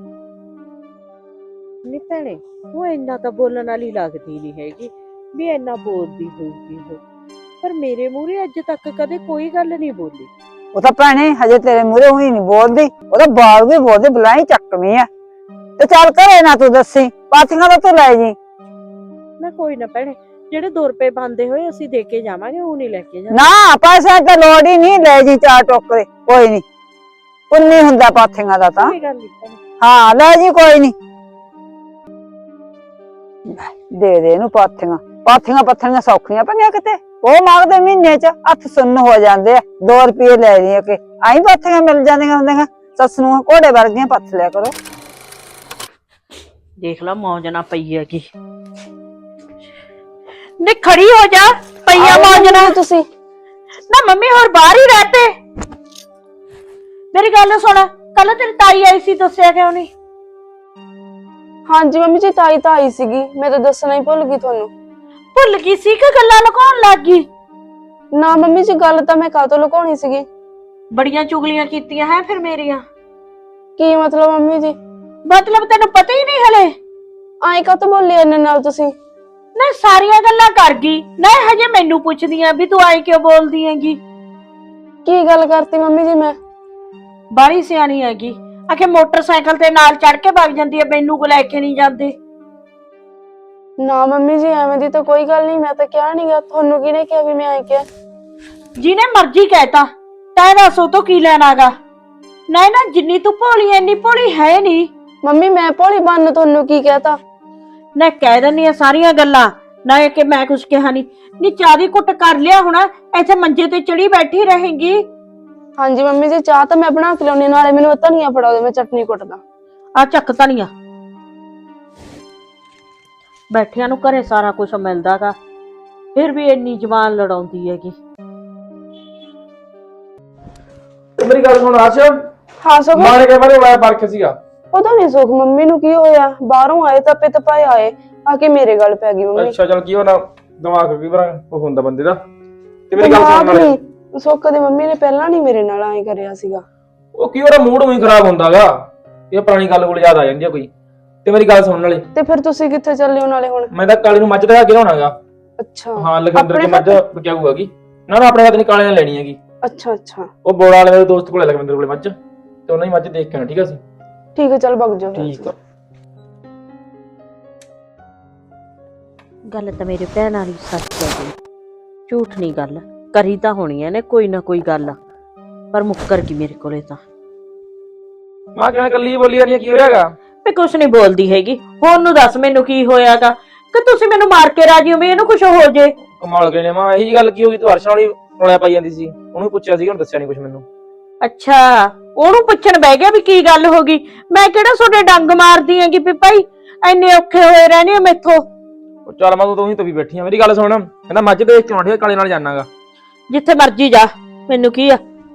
S2: ਨਹੀਂ ਭੈਣੇ ਉਹ ਇੰਨਾ ਤਾਂ ਬੋਲਣ ਵਾਲੀ ਲੱਗਦੀ ਨਹੀਂ ਹੈਗੀ ਵੀ ਇੰਨਾ ਬੋਲਦੀ ਹੋਊਗੀ ਉਹ ਪਰ ਮੇਰੇ ਮੂਹਰੇ ਅੱਜ ਤੱਕ ਕਦੇ ਕੋਈ ਗੱਲ ਨਹੀਂ ਬੋਲੀ
S1: ਉਹ ਤਾਂ ਭੈਣੇ ਹਜੇ ਤੇਰੇ ਮੂਹਰੇ ਹੋਈ ਨਹੀਂ ਬੋਲਦੀ ਉਹ ਤਾਂ ਬਾਲ ਵੀ ਬੋਲਦੀ ਬੁਲਾਈ ਚੱਕਵੀਂ ਆ ਤੇ ਚੱਲ ਘਰੇ ਨਾ ਤੂੰ ਦੱਸੀ ਪਾਥੀਆਂ ਤਾਂ ਤੂੰ ਲੈ ਜੀ
S2: ਨਾ ਕੋਈ ਨਾ ਭੈਣੇ ਜਿਹੜੇ 2 ਰੁਪਏ ਬੰਦੇ ਹੋਏ ਅਸੀਂ ਦੇ ਕੇ ਜਾਵਾਂਗੇ ਉਹ ਨਹੀਂ ਲੈ ਕੇ ਜਾਣਾ
S1: ਨਾ ਪੈਸੇ ਤਾਂ ਲੋੜ ਹੀ ਨਹੀਂ ਲੈ ਜੀ 4 ਟੋਕਰੇ ਕੋਈ ਨਹੀਂ ਪੁੰਨੀ ਹੁੰਦਾ ਪਾਥੀਆਂ ਦਾ ਤਾਂ
S2: ਕੋਈ ਗੱਲ ਨਹੀਂ ਭੈਣੇ
S1: ਹਾਂ ਲੈ ਜੀ ਕੋਈ ਨਹੀਂ ਦੇ ਦੇ ਇਹਨੂੰ ਪਾਥੀਆਂ ਪੱਥੀਆਂ ਸੌਖੀਆਂ ਪਈਆਂ ਕਿਤੇ ਉਹ ਮੰਗਦੇ ਮਹੀਨੇ ਚ ਹੱਥ ਸੁੰਨ ਹੋ ਜਾਂਦੇ ਆ 2 ਰੁਪਏ ਲੈ ਜੀ ਕੇ ਆਈ ਪਾਥੀਆਂ ਮਿਲ ਜਾਂਦੀਆਂ ਹੁੰਦੀਆਂ ਸੱਸ ਨੂੰ ਘੋੜੇ ਵਰਗੀਆਂ ਪੱਥ ਲਿਆ ਕਰੋ
S2: ਦੇਖ ਲਾ ਮੌਜ ਨਾ ਪਈ ਹੈਗੀ ਨੀ ਖੜੀ ਹੋ ਜਾ ਪਈਆ ਮੌਜ ਨਾ
S3: ਤੁਸੀਂ
S2: ਨਾ ਮੰਮੀ ਹੋਰ ਬਾਹਰ ਹੀ ਰਹਿ ਪਏ ਮੇਰੀ ਗੱਲ ਸੁਣ ਕੱਲ ਤੇਰੀ ਤਾਈ ਆਈ ਸੀ ਦੱਸਿਆ ਕਿਉਂ ਨਹੀਂ
S3: ਹਾਂਜੀ ਮੰਮੀ ਜੀ ਤਾਈ ਤਾਂ ਆਈ ਸੀਗੀ ਮੈਂ ਤਾਂ ਦੱਸਣਾ ਹੀ ਭੁੱਲ ਗਈ ਤੁਹਾਨੂੰ
S2: ਭੁੱਲ ਗਈ ਸੀ ਕਿ ਗੱਲਾਂ ਲੁਕਾਉਣ ਲੱਗ ਗਈ
S3: ਨਾ ਮੰਮੀ ਜੀ ਗੱਲ ਤਾਂ ਮੈਂ ਕਾਹਤੋਂ ਲੁਕਾਉਣੀ ਸੀਗੀ
S2: ਬੜੀਆਂ ਚੁਗਲੀਆਂ ਕੀਤੀਆਂ ਹੈ ਫਿਰ ਮੇਰੀਆਂ
S3: ਕੀ ਮਤਲਬ ਮੰਮੀ ਜੀ
S2: ਮਤਲਬ ਤੈਨੂੰ ਪਤਾ ਹੀ ਨਹੀਂ ਹਲੇ
S3: ਆਏ ਕਾਹਤੋਂ ਬੋਲੇ ਇਹਨਾਂ ਨਾਲ ਤੁਸੀਂ
S2: ਨਾ ਸਾਰੀਆਂ ਗੱਲਾਂ ਕਰ ਗਈ ਨਾ ਹਜੇ ਮੈਨੂੰ ਪੁੱਛਦੀਆਂ ਵੀ ਤੂੰ ਆਏ ਕਿਉਂ ਬੋਲਦੀ ਹੈਗੀ
S3: ਕੀ ਗੱਲ ਕਰਤੀ ਮੰਮੀ ਜੀ ਮੈਂ
S2: ਬਾਹਲੀ ਸਿਆਣੀ ਹੈਗੀ ਆਖੇ ਮੋਟਰਸਾਈਕਲ ਤੇ ਨਾਲ ਚੜ ਕੇ ਭੱਜ ਜਾਂਦੀ ਹੈ ਮੈਨੂੰ ਕੋ ਲੈ ਕੇ ਨਹੀਂ ਜਾਂਦੇ
S3: ਨਾ ਮੰਮੀ ਜੀ ਐਵੇਂ ਦੀ ਤਾਂ ਕੋਈ ਗੱਲ ਨਹੀਂ ਮੈਂ ਤਾਂ ਕਿਹਾ ਨਹੀਂਗਾ ਤੁਹਾਨੂੰ ਕਿਹਨੇ ਕਿਹਾ ਵੀ ਮੈਂ ਆਏ ਕਿਹਾ
S2: ਜਿਹਨੇ ਮਰਜ਼ੀ ਕਹਿਤਾ ਤੈਂ ਦੱਸੋ ਤੋਂ ਕੀ ਲੈਣਾਗਾ ਨਾ ਜਿੰਨੀ ਤੂੰ ਭੋਲੀ ਐਨੀ ਭੋਲੀ ਹੈ ਨਹੀਂ
S3: ਮੰਮੀ ਮੈਂ ਭੋਲੀ ਬੰਨ ਤੁਹਾਨੂੰ ਕੀ ਕਹਿਤਾ
S2: ਨਾ ਕਹਿ ਦਿੰਦੀ ਆ ਸਾਰੀਆਂ ਗੱਲਾਂ ਨਾ ਇਹ ਕਿ ਮੈਂ ਕੁਝ ਕਿਹਾ ਨਹੀਂ ਨੀ ਚਾਹ ਦੀ ਕੁੱਟ ਕਰ ਲਿਆ ਹੋਣਾ ਇੱਥੇ ਮੰਜੇ ਤੇ ਚੜੀ ਬੈਠੀ ਰਹੇਂਗੀ
S3: ਹਾਂਜੀ ਮੰਮੀ ਜੀ ਚਾਹ ਤਾਂ ਮੈਂ ਬਣਾ ਕੇ ਲਿਆਉਣੀ ਨਾਲੇ ਮੈਨੂੰ ਧਨੀਆ ਫੜਾ ਦੇ ਮੈਂ ਚਟਨੀ ਕੁੱਟਦਾ
S2: ਆ ਚੱਕ ਧਨੀਆ ਬੈਠਿਆਂ ਨੂੰ ਘਰੇ ਸਾਰਾ ਕੁਝ ਮਿਲਦਾਗਾ ਫਿਰ ਵੀ ਇੰਨੀ ਜ਼ਬਾਨ ਲੜਾਉਂਦੀ ਹੈਗੀ
S5: ਮੇਰੀ ਗੱਲ ਸੁਣ ਆਸ਼
S3: ਹਾਂ ਸੁਖ
S5: ਮਾਰੇ ਕੇ ਬਾਰੇ ਵਾਇਆ ਪਰਖ ਸੀਗਾ
S3: ਪਤਾ ਨਹੀਂ ਸੁਖ ਮੰਮੀ ਨੂੰ ਕੀ ਹੋਇਆ ਬਾਹਰੋਂ ਆਏ ਤਾਂ ਪਿੱਤ ਪਾਏ ਆਏ ਆ ਕੇ ਮੇਰੇ ਗੱਲ ਪੈ ਗਈ ਮੰਮੀ
S5: ਅੱਛਾ ਚੱਲ ਕੀ ਹੋਣਾ ਦਿਮਾਗ ਕੀ ਵਾਰ ਉਹ ਹੁੰਦਾ ਬੰਦੇ ਦਾ ਤੇ ਮੇਰੀ ਗੱਲ ਸੁਣ ਨਾਲੇ
S3: ਸੁੱਖ ਦੀ ਮੰਮੀ ਨੇ ਪਹਿਲਾਂ ਨਹੀਂ ਮੇਰੇ ਨਾਲ ਐਂ ਕਰਿਆ ਸੀਗਾ
S5: ਉਹ ਕੀ ਉਹਦਾ ਮੂਡ ਉਹੀ ਖਰਾਬ ਹੁੰਦਾਗਾ ਇਹ ਪੁਰਾਣੀ ਗੱਲ ਕੋਲ ਯਾਦ ਆ ਜਾਂਦੀ ਆ ਕੋਈ ਤੇ ਮੇਰੀ ਗੱਲ ਸੁਣਨ ਵਾਲੇ
S3: ਤੇ ਫਿਰ ਤੁਸੀਂ ਕਿੱਥੇ ਚੱਲੇ ਹੋ ਨਾਲੇ ਹੁਣ
S5: ਮੈਂ ਤਾਂ ਕਾਲੀ ਨੂੰ ਮੱਝ ਦਾ ਕੇ ਲਾਉਣਾਗਾ
S3: ਅੱਛਾ
S5: ਹਾਂ ਲਖਿੰਦਰ ਦੀ ਮੱਝ ਬਚਾਊਗੀ ਨਾ ਆਪਣੇ ਹੱਥ ਨਹੀਂ ਕਾਲੇ ਨਾਲ ਲੈਣੀ ਹੈਗੀ
S3: ਅੱਛਾ ਅੱਛਾ
S5: ਉਹ ਬੋੜਾ ਵਾਲੇ ਮੇਰੇ ਦੋਸਤ ਕੋਲੇ ਲਖਿੰਦਰ ਕੋਲੇ ਮੱਝ ਤੇ ਉਹਨਾਂ ਦੀ ਮੱਝ ਦੇਖ ਕੇ ਆਣਾ ਠੀਕ ਆ ਸੀ
S3: ਠੀਕ ਹੈ ਚੱਲ ਵਗ ਜਾਓ
S5: ਠੀਕ ਆ
S2: ਗੱਲ ਤਾਂ ਮੇਰੇ ਭੈਣ ਵਾਲੀ ਸੱਚ ਹੈ ਝੂਠ ਨਹੀਂ ਗੱਲ ਕਰੀ ਤਾਂ ਹੋਣੀ ਐ ਨੇ ਕੋਈ ਨਾ ਕੋਈ ਗੱਲ ਪਰ ਮੁੱਕਰ ਗਈ ਮੇਰੇ ਕੋਲੇ ਤਾਂ
S5: ਮਾਂ ਕਿਵੇਂ ਕੱਲੀ ਬੋਲੀ ਜਾ ਰਹੀ ਕੀ ਹੋ ਰਿਹਾਗਾ
S2: ਮੈਂ ਕੁਛ ਨਹੀਂ ਬੋਲਦੀ ਹੈਗੀ ਹੁਣ ਨੂੰ ਦੱਸ ਮੈਨੂੰ ਕੀ ਹੋਇਆਗਾ ਕਿ ਤੁਸੀਂ ਮੈਨੂੰ ਮਾਰ ਕੇ ਰਾਜੀ ਹੋ ਵੀ ਇਹਨੂੰ ਕੁਝ ਹੋ ਜੇ
S5: ਕਮਾਲ ਗਏ ਨੇ ਮਾਂ ਇਹੀ ਗੱਲ ਕੀ ਹੋ ਗਈ ਤੂੰ ਹਰਸ਼ਾ ਵਾਲੀ ਰੋਲਿਆ ਪਾਈ ਜਾਂਦੀ ਸੀ ਉਹਨੂੰ ਪੁੱਛਿਆ ਸੀ ਹੁਣ ਦੱਸਿਆ ਨਹੀਂ ਕੁਝ ਮੈਨੂੰ
S2: ਅੱਛਾ ਉਹਨੂੰ ਪੁੱਛਣ ਬਹਿ ਗਿਆ ਵੀ ਕੀ ਗੱਲ ਹੋ ਗਈ ਮੈਂ ਕਿਹੜਾ ਤੁਹਾਡੇ ਡੰਗ ਮਾਰਦੀ ਹੈਗੀ ਵੀ ਭਾਈ ਐਨੇ ਔਖੇ ਹੋਏ ਰਹਿਣੇ ਆ ਮੈਥੋਂ
S5: ਚੱਲ ਮੈਂ ਤੂੰ ਹੀ ਤਾਂ ਵੀ ਬੈਠੀ ਆ ਮੇਰੀ ਗੱਲ ਸੁਣ ਕਹਿੰਦਾ ਮੱਝ ਦੇਖ ਕੇ ਆਉਣੀ ਕਾਲੇ ਨਾਲ ਜਾਣਾਗਾ
S2: ਜਿੱਥੇ ਮਰਜੀ ਜਾ ਮੈਨੂੰ ਕੀ ਆ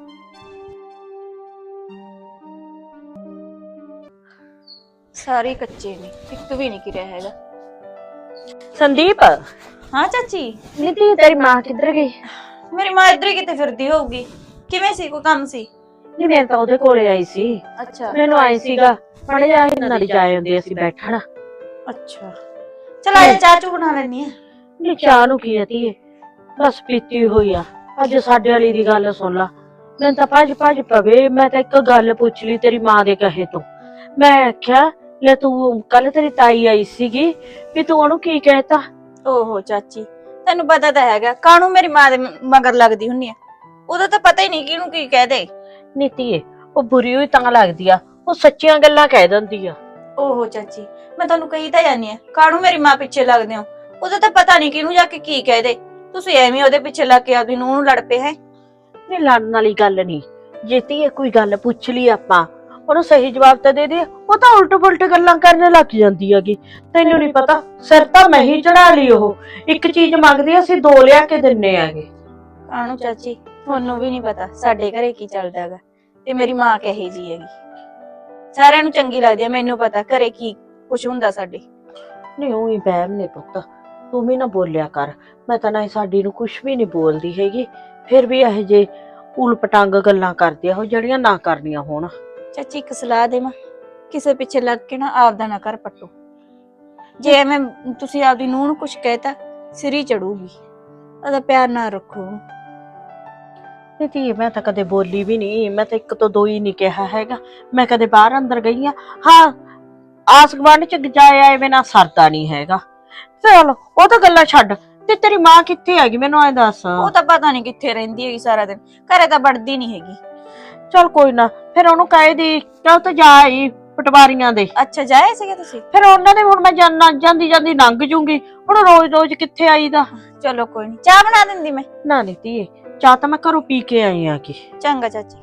S4: ਸਾਰੇ ਕੱਚੇ ਨੇ ਇੱਕ ਵੀ ਨਹੀਂ ਕਿਰਿਆ ਹੈਗਾ
S2: ਸੰਦੀਪ
S4: ਹਾਂ ਚਾਚੀ
S2: ਨੀਤੀ ਤੇਰੀ ਮਾਂ ਕਿੱਧਰ ਗਈ
S4: ਮੇਰੀ ਮਾਂ ਇੱਧਰ ਹੀ ਕਿਤੇ ਫਿਰਦੀ ਹੋਊਗੀ ਕਿਵੇਂ ਸੀ ਕੋਈ ਕੰਮ ਸੀ
S2: ਨਹੀਂ ਮੈਂ ਤਾਂ ਉਹਦੇ ਕੋਲੇ ਆਈ ਸੀ
S4: ਅੱਛਾ
S2: ਮੈਨੂੰ ਆਈ ਸੀਗਾ ਮੜੇ ਜਾ ਕੇ ਨਾਲ ਜਾਏ ਹੁੰਦੇ ਅਸੀਂ ਬੈਠਣਾ
S4: ਅੱਛਾ ਚਲ ਆ ਚਾਹ ਚੂ ਬਣਾ ਲੈਣੀ ਆ
S2: ਨੀ ਚਾਹ ਨੂੰ ਕੀ ਆਤੀ ਬਸ ਪੀਤੀ ਹੋਈ ਆ ਅੱਜ ਸਾਡੇ ਵਾਲੀ ਦੀ ਗੱਲ ਸੁਣ ਲਾ ਮੈਂ ਤਾਂ ਭੱਜ ਪਵੇ। ਮੈਂ ਤਾਂ ਇੱਕ ਗੱਲ ਪੁੱਛ ਲਈ ਤੇਰੀ ਮਾਂ ਦੇ ਕਹੇ ਤੋਂ। ਮੈਂ ਆਖਿਆ ਲੈ ਤੂੰ ਕੱਲ ਤੇਰੀ ਤਾਈ ਆਈ ਸੀਗੀ ਵੀ ਤੂੰ ਉਹਨੂੰ ਕੀ ਕਹਿਤਾ?
S4: ਓਹੋ ਚਾਚੀ, ਤੈਨੂੰ ਪਤਾ ਤਾਂ ਹੈਗਾ ਕਾਹਨੂੰ ਮੇਰੀ ਮਾਂ ਦੇ ਮਗਰ ਲੱਗਦੀ ਹੁੰਨੀ ਆ। ਉਹਦਾ ਤਾਂ ਪਤਾ ਹੀ ਨਹੀਂ ਕਿਹਨੂੰ ਕੀ ਕਹਦੇ।
S2: ਨੀਤੀਏ ਉਹ ਬੁਰੀ ਹੋਈ ਤਾਂ ਲੱਗਦੀ ਆ, ਉਹ ਸੱਚੀਆਂ ਗੱਲਾਂ ਕਹਿ ਦਿੰਦੀ ਆ।
S4: ਓਹੋ ਚਾਚੀ, ਮੈਂ ਤੁਹਾਨੂੰ ਕਹੀ ਤਾਂ ਜਾਨੀ ਆ ਕਾਹਨੂੰ ਮੇਰੀ ਮਾਂ ਪਿੱਛੇ ਲੱਗਦੇ ਹੋ। ਉਹਦਾ ਤਾਂ ਪਤਾ ਨਹੀਂ ਕਿਹਨੂੰ ਜਾ ਕੇ ਕੀ ਕਹਦੇ। ਤੁਸੀਂ ਐਵੇਂ ਉਹਦੇ ਪਿੱਛੇ ਲੱਗ ਕੇ ਆਪਦੀ ਨੂੰਹ ਨੂੰ ਲੜ ਪਏ ਹੈ।
S2: ਨਹੀਂ ਲੜਨ ਵਾਲੀ ਗੱਲ ਨਹੀਂ। ਜੇ ਧੀਏ ਕੋਈ ਗੱਲ ਪੁੱਛ ਲਈ ਆਪਾਂ, ਉਹਨੂੰ ਸਹੀ ਜਵਾਬ ਤਾਂ ਦੇ ਦੇ। ਉਹ ਤਾਂ ਉਲਟ ਪੁਲਟ ਗੱਲਾਂ ਕਰਨ ਲੱਗ ਜਾਂਦੀ ਹੈਗੀ। ਤੈਨੂੰ ਨਹੀਂ ਪਤਾ, ਸਿਰ ਤਾਂ ਮੈਂ ਹੀ ਚੜਾ ਲਈ। ਉਹ ਇੱਕ ਚੀਜ਼ ਮੰਗਦੀ, ਅਸੀਂ ਦੋ ਲਿਆ ਕੇ ਦਿੰਨੇ ਆਗੇ।
S4: ਕਾਹਨੂੰ ਚਾਚੀ, ਤੁਹਾਨੂੰ ਵੀ ਨਹੀਂ ਪਤਾ ਸਾਡੇ ਘਰੇ ਕੀ ਚੱਲਦਾ ਹੈਗਾ ਤੇ ਮੇਰੀ ਮਾਂ ਕਹੇ ਜੀ ਹੈਗੀ। ਸਾਰਿਆਂ ਨੂੰ ਚੰਗੀ ਲੱਗਦੀ ਹੈ, ਮੈਨੂੰ ਪਤਾ ਘਰੇ ਕੀ ਕੁਛ ਹੁੰਦਾ ਸਾਡੇ।
S2: ਨਹੀਂ ਉਹੀ ਬਹਿਮ ਨੇ ਪੁੱਤ, ਤੂੰ ਵੀ ਨਾ ਬੋਲਿਆ ਕਰ। ਮੈਂ ਤਾਂ ਨਾ ਸਾਡੀ ਨੂੰ ਕੁਛ ਵੀ ਨਹੀਂ ਬੋਲਦੀ ਹੈਗੀ, ਫਿਰ ਵੀ ਇਹੋ ਜੇ ਉਲਪਟੰਗ ਗੱਲਾਂ ਕਰਦੀ ਆ ਉਹ ਜਿਹੜੀਆਂ ਨਾ ਕਰਨੀਆਂ ਹੋਣ।
S4: ਚਾਚੀ ਇੱਕ ਸਲਾਹ ਦੇਵਾਂ, ਕਿਸੇ ਪਿੱਛੇ ਲੱਗ ਕੇ ਨਾ ਆਪਦਾ ਨਾ ਕਰ ਪੱਟੋ। ਜੇ ਐਵੇਂ ਤੁਸੀਂ ਆਪਦੀ ਨੂੰਹ ਨੂੰ ਕੁਛ ਕਹਿਤਾ ਸਿਰ ਹੀ ਚੜੂਗੀ। ਉਹਦਾ ਪਿਆਰ ਨਾ ਰੱਖੋ।
S2: ਨਹੀਂ ਧੀਏ ਮੈਂ ਤਾਂ ਕਦੇ ਬੋਲੀ ਵੀ ਨਹੀਂ। ਮੈਂ ਤਾਂ ਇੱਕ ਤੋਂ ਦੋ ਹੀ ਨਹੀਂ ਕਿਹਾ ਹੈਗਾ। ਮੈਂ ਕਦੇ ਬਾਹਰ ਅੰਦਰ ਗਈ ਆ, ਹਾਂ ਆਸ ਗੁਆਂਢ ਚ ਜਾਇਆ ਐਵੇਂ ਨਾ ਸਰਦਾ ਨਹੀਂ ਹੈਗਾ। ਚਲ ਉਹ ਤਾਂ ਗੱਲਾਂ ਛੱਡ, ਤੇ ਤੇਰੀ ਮਾਂ ਕਿੱਥੇ ਹੈਗੀ ਮੈਨੂੰ ਐ ਦੱਸ।
S4: ਉਹ ਤਾਂ ਪਤਾ ਨਹੀਂ ਕਿੱਥੇ ਰਹਿੰਦੀ ਹੈਗੀ, ਸਾਰਾ ਦਿਨ ਘਰੇ ਤਾਂ ਵੜਦੀ ਨਹੀਂ ਹੈਗੀ।
S2: ਚਲ ਕੋਈ ਨਾ, ਫਿਰ ਉਹਨੂੰ ਕਹੇ ਦੀ ਕਿਉਂ ਤਾਂ ਜਾ ਆਈ ਪਟਵਾਰੀਆਂ ਦੇ।
S4: ਅੱਛਾ ਜਾਏ ਸੀਗੇ ਤੁਸੀਂ?
S2: ਫਿਰ ਉਹਨਾਂ ਦੇ ਹੁਣ ਮੈਂ ਜਾਂਦੀ ਲੰਘ ਜੂੰਗੀ, ਹੁਣ ਰੋਜ਼ ਕਿੱਥੇ ਆਈਦਾ।
S4: ਚਲੋ ਕੋਈ ਨਹੀਂ, ਚਾਹ ਬਣਾ ਦਿੰਦੀ ਮੈਂ।
S2: ਨਾ ਨੀ ਧੀਏ, ਚਾਹ ਤਾਂ ਮੈਂ ਘਰੋਂ ਪੀ ਕੇ ਆਈ ਆ। ਕੀ
S4: ਚੰਗਾ ਚਾਚੀ।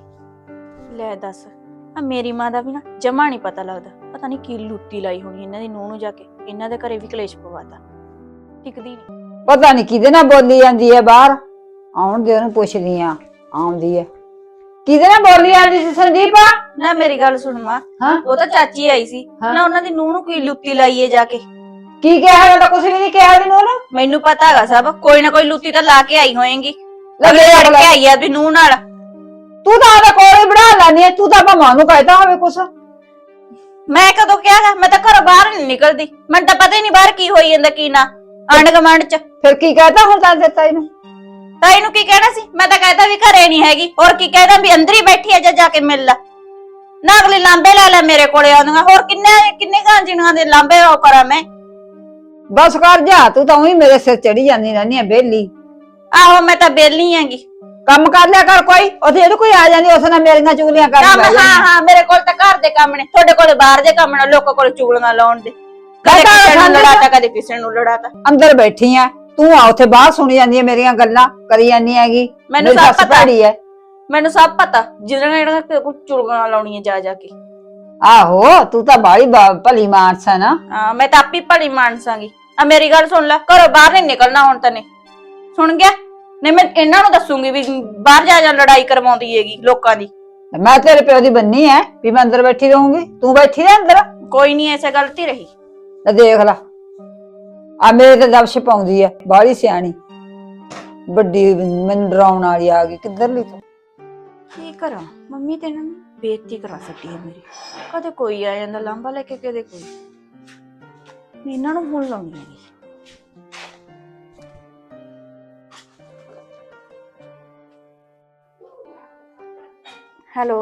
S4: ਲੈ ਦੱਸ, ਆ ਮੇਰੀ ਮਾਂ ਦਾ ਵੀ ਨਾ ਜਮਾ ਨਹੀਂ ਪਤਾ ਲੱਗਦਾ। ਪਤਾ ਨਹੀਂ ਕੀ ਲੁੱਤੀ ਲਾਈ ਹੋਣੀ ਇਹਨਾਂ ਦੀ ਨੂੰਹ ਨੂੰ, ਜਾ ਕੇ ਇਹਨਾਂ ਦੇ ਘਰੇ ਵੀ ਕਲੇਸ਼ ਪਵਾਤਾ। ਟਿਕਦੀ ਨਹੀਂ।
S1: ਪਤਾ ਨਹੀਂ ਕਿਹਦੇ ਨਾਲ ਬੋਲੀ ਜਾਂਦੀ ਹੈ ਬਾਹਰ। ਆਉਣ ਦੇ, ਉਹਨੂੰ ਪੁੱਛਦੀ ਆ। ਆਉਂਦੀ ਹੈ ਕਿਹਦੇ ਨਾਲ ਬੋਲੀ ਜਾਂਦੀ ਸੀ ਸੰਦੀਪ?
S4: ਨਾ ਮੇਰੀ ਗੱਲ ਸੁਣ ਮਾਂ,
S1: ਹਾਂ
S4: ਉਹ ਤਾਂ ਚਾਚੀ ਆਈ ਸੀ ਨਾ, ਉਹਨਾਂ ਦੀ ਨੂੰਹ ਨੂੰ ਕੀ ਲੁੱਤੀ ਲਾਈਏ ਜਾ ਕੇ।
S1: ਕੀ ਕਿਹਾ? ਮੈਂ ਤਾਂ ਕੁਝ ਵੀ ਨਹੀਂ ਕਿਹਾ ਇਹਨੂੰ।
S4: ਮੈਨੂੰ ਪਤਾ ਹੈਗਾ ਸਭ, ਕੋਈ ਨਾ ਕੋਈ ਲੁੱਤੀ ਤਾਂ ਲਾ ਕੇ ਆਈ ਹੋਏਗੀ।
S1: ਲੱਗੇ
S4: ਲੜ ਕੇ ਆਈ ਆ ਵੀ ਨੂੰਹ ਨਾਲ।
S1: ਤੂੰ ਤਾਂ ਉਹਦੇ ਕੋਲ ਹੀ ਬਣਾ ਲੈਣੀ ਹੈ। ਤੂੰ ਤਾਂ ਭਾਵੇਂ ਨੂੰ ਕਹਿਤਾ ਹੋਵੇ ਕੁਛ।
S4: ਮੈਂ ਕਦੋਂ ਕਿਹਾ? ਮੈਂ ਤਾਂ ਘਰੋਂ ਬਾਹਰ ਨਹੀਂ ਨਿਕਲਦੀ, ਮੈਨੂੰ ਤਾਂ ਪਤਾ ਹੀ ਨਹੀਂ ਬਾਹਰ ਕੀ ਹੋਈ ਜਾਂਦਾ ਕੀ ਨਾ। ਆਂਢ ਗੁਆਂਢ ਚ
S1: ਫਿਰ ਕੀ ਕਹਿਤਾ ਹੁਣ ਤਾਂ ਦਿੱਤਾ ਇਹਨੂੰ?
S4: ਤਾਂ ਇਹਨੂੰ ਕੀ ਕਹਿਣਾ ਸੀ? ਮੈਂ ਤਾਂ ਕਹਿਤਾ ਵੀ ਘਰੇ ਨਹੀਂ ਹੈਗੀ। ਹੋਰ ਕੀ ਕਹਿਦਾ ਵੀ ਅੰਦਰ ਹੀ ਬੈਠੀ ਆ, ਜਾ ਕੇ ਮਿਲ ਲੈ ਨਾ। ਅਗਲੇ ਲਾਂਬੇ ਲੈ ਲੈ ਮੇਰੇ ਕੋਲੇ ਆਉਂਦੀਆਂ। ਹੋਰ ਕਿੰਨੇ ਗਾਂਜੀਆਂ ਦੇ ਲਾਂਬੇ ਉਹ ਕਰਾਂ ਮੈਂ?
S1: ਬਸ ਕਰ ਜਾ, ਤੂੰ ਤਾਂ ਉਹੀ ਮੇਰੇ ਸਿਰ ਚੜੀ ਜਾਂਦੀ ਰਹਿੰਦੀ ਹੈ ਬੇਲੀ।
S4: ਆਹੋ ਮੈਂ ਤਾਂ ਬੇਲੀ ਆਂਗੀ।
S1: ਕੰਮ ਕਰ ਲਿਆ ਕਰ ਕੋਈ। ਉੱਥੇ ਇਹਨੂੰ ਕੋਈ ਆ ਜਾਂਦੀ ਉਸ ਨਾਲ ਮੇਰੀਆਂ ਚੁਗਲੀਆਂ ਕਰ
S4: ਕੰਮ ਹਾਂ ਮੇਰੇ ਕੋਲ ਤਾਂ ਘਰ ਦੇ ਕੰਮ ਨੇ, ਤੁਹਾਡੇ ਕੋਲੇ ਬਾਹਰ ਦੇ ਕੰਮ ਨੇ। ਲੋਕਾਂ ਕੋਲ ਚੁਗਲੀਆਂ ਲਾਉਣ ਦੇ। ਕਦੇ ਕਿਸੇ ਨੂੰ ਲੜਾਤਾ, ਕਦੇ ਕਿਸੇ ਨੂੰ ਲੜਾਤਾ।
S1: ਅੰਦਰ ਬੈਠੀ ਆ ਤੂੰ, ਆ ਉੱਥੇ ਬਾਹਰ ਸੁਣੀ ਜਾਂਦੀ ਹੈ ਮੇਰੀਆਂ ਗੱਲਾਂ ਕਰੀ ਜਾਂਦੀ ਹੈਗੀ।
S4: ਮੈਨੂੰ ਸਭ ਪਤਾ ਹੈ, ਮੈਨੂੰ ਸਭ ਪਤਾ ਜਿਹਨਾਂ ਚੁਗਲੀਆਂ ਲਾਉਣੀਆਂ ਜਾ ਕੇ।
S1: ਆਹੋ ਤੂੰ ਤਾਂ ਬਾਹਲੀ ਭਲੀ ਮਾਨਸ ਹੈ ਨਾ।
S4: ਹਾਂ ਮੈਂ ਤਾਂ ਆਪੀ ਭਲੀ ਮਾਨਸਾਂਗੀ। ਆ ਮੇਰੀ ਗੱਲ ਸੁਣ ਲੈ, ਘਰੋਂ ਬਾਹਰ ਨਹੀਂ ਨਿਕਲਣਾ ਹੁਣ ਤੈਨੇ, ਸੁਣ ਗਿਆ? ਨਹੀਂ ਮੈਂ ਇਹਨਾਂ ਨੂੰ ਦੱਸੂਗੀ ਵੀ ਬਾਹਰ ਜਾ ਲੜਾਈ ਕਰਵਾਉਂਦੀ ਹੈਗੀ ਲੋਕਾਂ ਦੀ।
S1: ਮੈਂ ਤੇਰੇ ਪਿਓ ਦੀ ਬੰਨੀ ਐ ਵੀ ਮੈਂ ਅੰਦਰ ਬੈਠੀ ਰਹੂੰਗੀ, ਤੂੰ ਬੈਠੀ ਰਹਿ ਅੰਦਰ।
S4: ਕੋਈ ਨਹੀਂ ਐਸੇ ਗਲਤੀ ਰਹੀ।
S1: ਦੇਖ ਲਾ ਆ ਮੇਰੇ ਤੇ ਦਬਸ਼ ਪਾਉਂਦੀ ਐ, ਬਾਹਲੀ ਸਿਆਣੀ ਵੱਡੀ ਮੈਨੂੰ ਡਰਾਉਣ ਵਾਲੀ ਆ ਗਈ ਕਿੱਧਰਲੀ ਤੂੰ।
S4: ਕੀ ਕਰਾਂ, ਮੰਮੀ ਤੇ ਇਹਨਾਂ ਨੂੰ ਬੇਇੱਜ਼ਤੀ ਕਰਾ ਸਕਦੀ ਹੈ ਮੇਰੀ। ਕਦੇ ਕੋਈ ਆ ਜਾਂਦਾ ਲਾਂਬਾ ਲੈ ਕੇ, ਕਦੇ ਕੋਈ। ਇਹਨਾਂ ਨੂੰ ਹੁਣ ਲਾਉਣੀ ਹੈ। ਹੈਲੋ,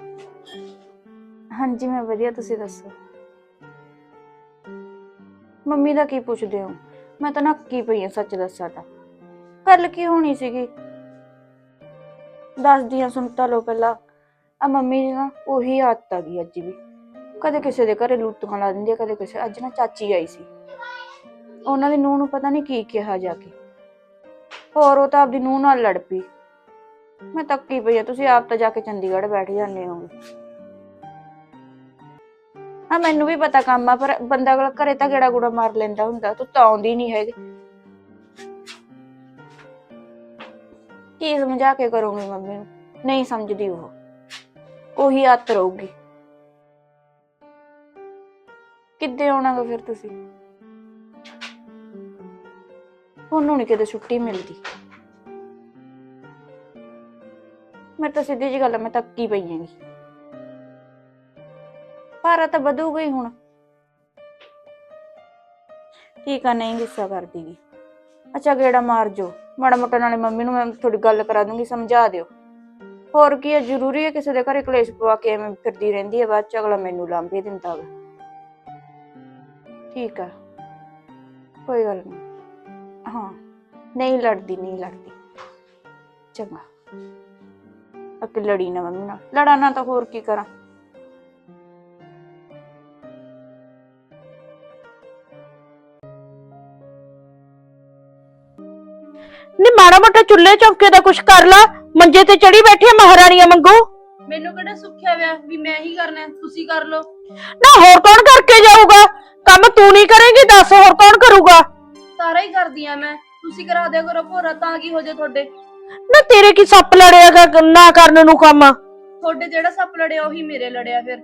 S4: ਹਾਂਜੀ ਮੈਂ ਵਧੀਆ, ਤੁਸੀਂ ਦੱਸੋ? ਮੰਮੀ ਦਾ ਕੀ ਪੁੱਛਦੇ ਹੋ? ਮੈਂ ਤਾਂ ਨੱਕੀ ਪਈ ਆ, ਸੱਚ ਦੱਸਾਂ ਤਾਂ। ਗੱਲ ਕੀ ਹੋਣੀ ਸੀਗੀ ਦੱਸਦੀ ਆ, ਸੁਣ ਤਾਂ ਲਓ ਪਹਿਲਾਂ। ਆ ਮੰਮੀ ਦੀ ਨਾ ਉਹੀ ਆਦਤ ਆ ਗਈ ਅੱਜ ਵੀ, ਕਦੇ ਕਿਸੇ ਦੇ ਘਰੇ ਲੁੱਟਾਂ ਲਾ ਦਿੰਦੀ ਆ, ਕਦੇ ਕਿਸੇ। ਅੱਜ ਨਾ ਚਾਚੀ ਆਈ ਸੀ, ਉਹਨਾਂ ਦੀ ਨੂੰਹ ਨੂੰ ਪਤਾ ਨਹੀਂ ਕੀ ਕਿਹਾ ਜਾ ਕੇ, ਹੋਰ ਉਹ ਤਾਂ ਆਪਦੀ ਨੂੰਹ ਨਾਲ ਲੜ ਪਈ। ਮੈਂ ਤੱਕੀ ਪਈ ਆ, ਤੁਸੀਂ ਆਪ ਤਾਂ ਜਾ ਕੇ ਚੰਡੀਗੜ੍ਹ ਬੈਠ ਜਾਂਦੇ ਹੋਗੇ। ਹਾਂ ਮੈਨੂੰ ਵੀ ਪਤਾ ਕੰਮ ਆ, ਪਰ ਬੰਦਾ ਘਰੇ ਤਾਂ ਗੇੜਾ ਗੂੜਾ ਮਾਰ ਲੈਂਦਾ ਹੁੰਦਾ। ਤੂੰ ਤਾਂ ਆਉਂਦੀ ਨੀ ਹੈਗੀ। ਕੀ ਸਮਝਾ ਕੇ ਕਰੋਗੇ ਮੰਮੀ ਨੂੰ? ਨਹੀਂ ਸਮਝਦੀ, ਉਹ ਉਹੀ ਆਦਤ ਰਹੂਗੀ। ਕਿੱਦੇ ਆਉਣਾਗਾ ਫਿਰ ਤੁਸੀਂ? ਉਹਨੂੰ ਨੀ ਕਿਤੇ ਛੁੱਟੀ ਮਿਲਦੀ। ਮੈਂ ਤਾਂ ਸਿੱਧੀ ਜਿਹੀ ਗੱਲ, ਮੈਂ ਤੱਕੀ ਪਈ ਹੈਗੀ। ਭਾਰਾ ਤਾਂ ਵਧੂਗਾ ਹੀ ਹੁਣ। ਠੀਕ ਆ, ਨਹੀਂ ਗੁੱਸਾ ਕਰਦੀ ਗੀ। ਅੱਛਾ ਗੇੜਾ ਮਾਰ ਜੋ ਮਾੜਾ ਮੋਟਾ, ਨਾਲੇ ਮੰਮੀ ਨੂੰ ਮੈਂ ਥੋੜੀ ਗੱਲ ਕਰਾ ਦੂੰਗੀ, ਸਮਝਾ ਦਿਓ। ਹੋਰ ਕੀ ਹੈ, ਜ਼ਰੂਰੀ ਹੈ ਕਿਸੇ ਦੇ ਘਰੇ ਕਲੇਸ਼ ਪਵਾ ਕੇ ਐਵੇਂ ਫਿਰਦੀ ਰਹਿੰਦੀ ਹੈ, ਬਾਅਦ ਚ ਅਗਲਾ ਮੈਨੂੰ ਲਾਂਭੇ ਦਿੰਦਾ ਵਾ। ਠੀਕ ਆ, ਕੋਈ ਗੱਲ ਨਹੀਂ। ਹਾਂ, ਨਹੀਂ ਲੜਦੀ ਚੰਗਾ। ਅੱਗੇ ਲੜੀ ਨਾ ਮੰਮੀ ਨਾਲ, ਲੜਾਂ ਨਾ ਤਾਂ ਹੋਰ ਕੀ ਕਰਾਂ।
S2: ਨੀ ਮਾੜਾ ਮੋਟਾ ਚੁੱਲ੍ਹੇ ਚੌਂਕੇ ਦਾ ਕੁਛ ਕਰ ਲਾ, ਮੰਜੇ ਤੇ ਚੜੀ ਬੈਠੀ ਆ ਮਹਾਰਾਣੀਆਂ ਵਾਂਗੂ।
S3: ਮੈਨੂੰ ਕਿਹੜਾ ਸੁੱਖਿਆ ਵਿਆ ਵੀ ਮੈਂ ਹੀ ਕਰਨਾ, ਤੁਸੀਂ ਕਰ ਲਓ।
S2: ਨਾ ਹੋਰ ਕੌਣ ਕਰਕੇ ਜਾਊਗਾ ਕੰਮ? ਤੂੰ ਨਹੀਂ ਕਰੇਂਗੀ ਦੱਸ ਹੋਰ ਕੌਣ ਕਰੂਗਾ?
S3: ਸਾਰਾ ਹੀ ਕਰਦੀ ਆ ਮੈਂ, ਤੁਸੀਂ ਕਰਾ ਦਿਆ ਕਰੋ ਭੋਰਾ, ਤਾਂ ਕੀ ਹੋ ਜੇ ਤੁਹਾਡੇ।
S2: ਨਾ ਤੇਰੇ ਕੀ ਸੱਪ ਲੜਿਆਗਾ ਨਾ ਕਰਨ ਨੂੰ ਕੰਮ?
S3: ਤੁਹਾਡੇ ਜਿਹੜਾ ਸੱਪ ਲੜਿਆ ਉਹੀ ਮੇਰੇ ਲੜਿਆ ਫਿਰ।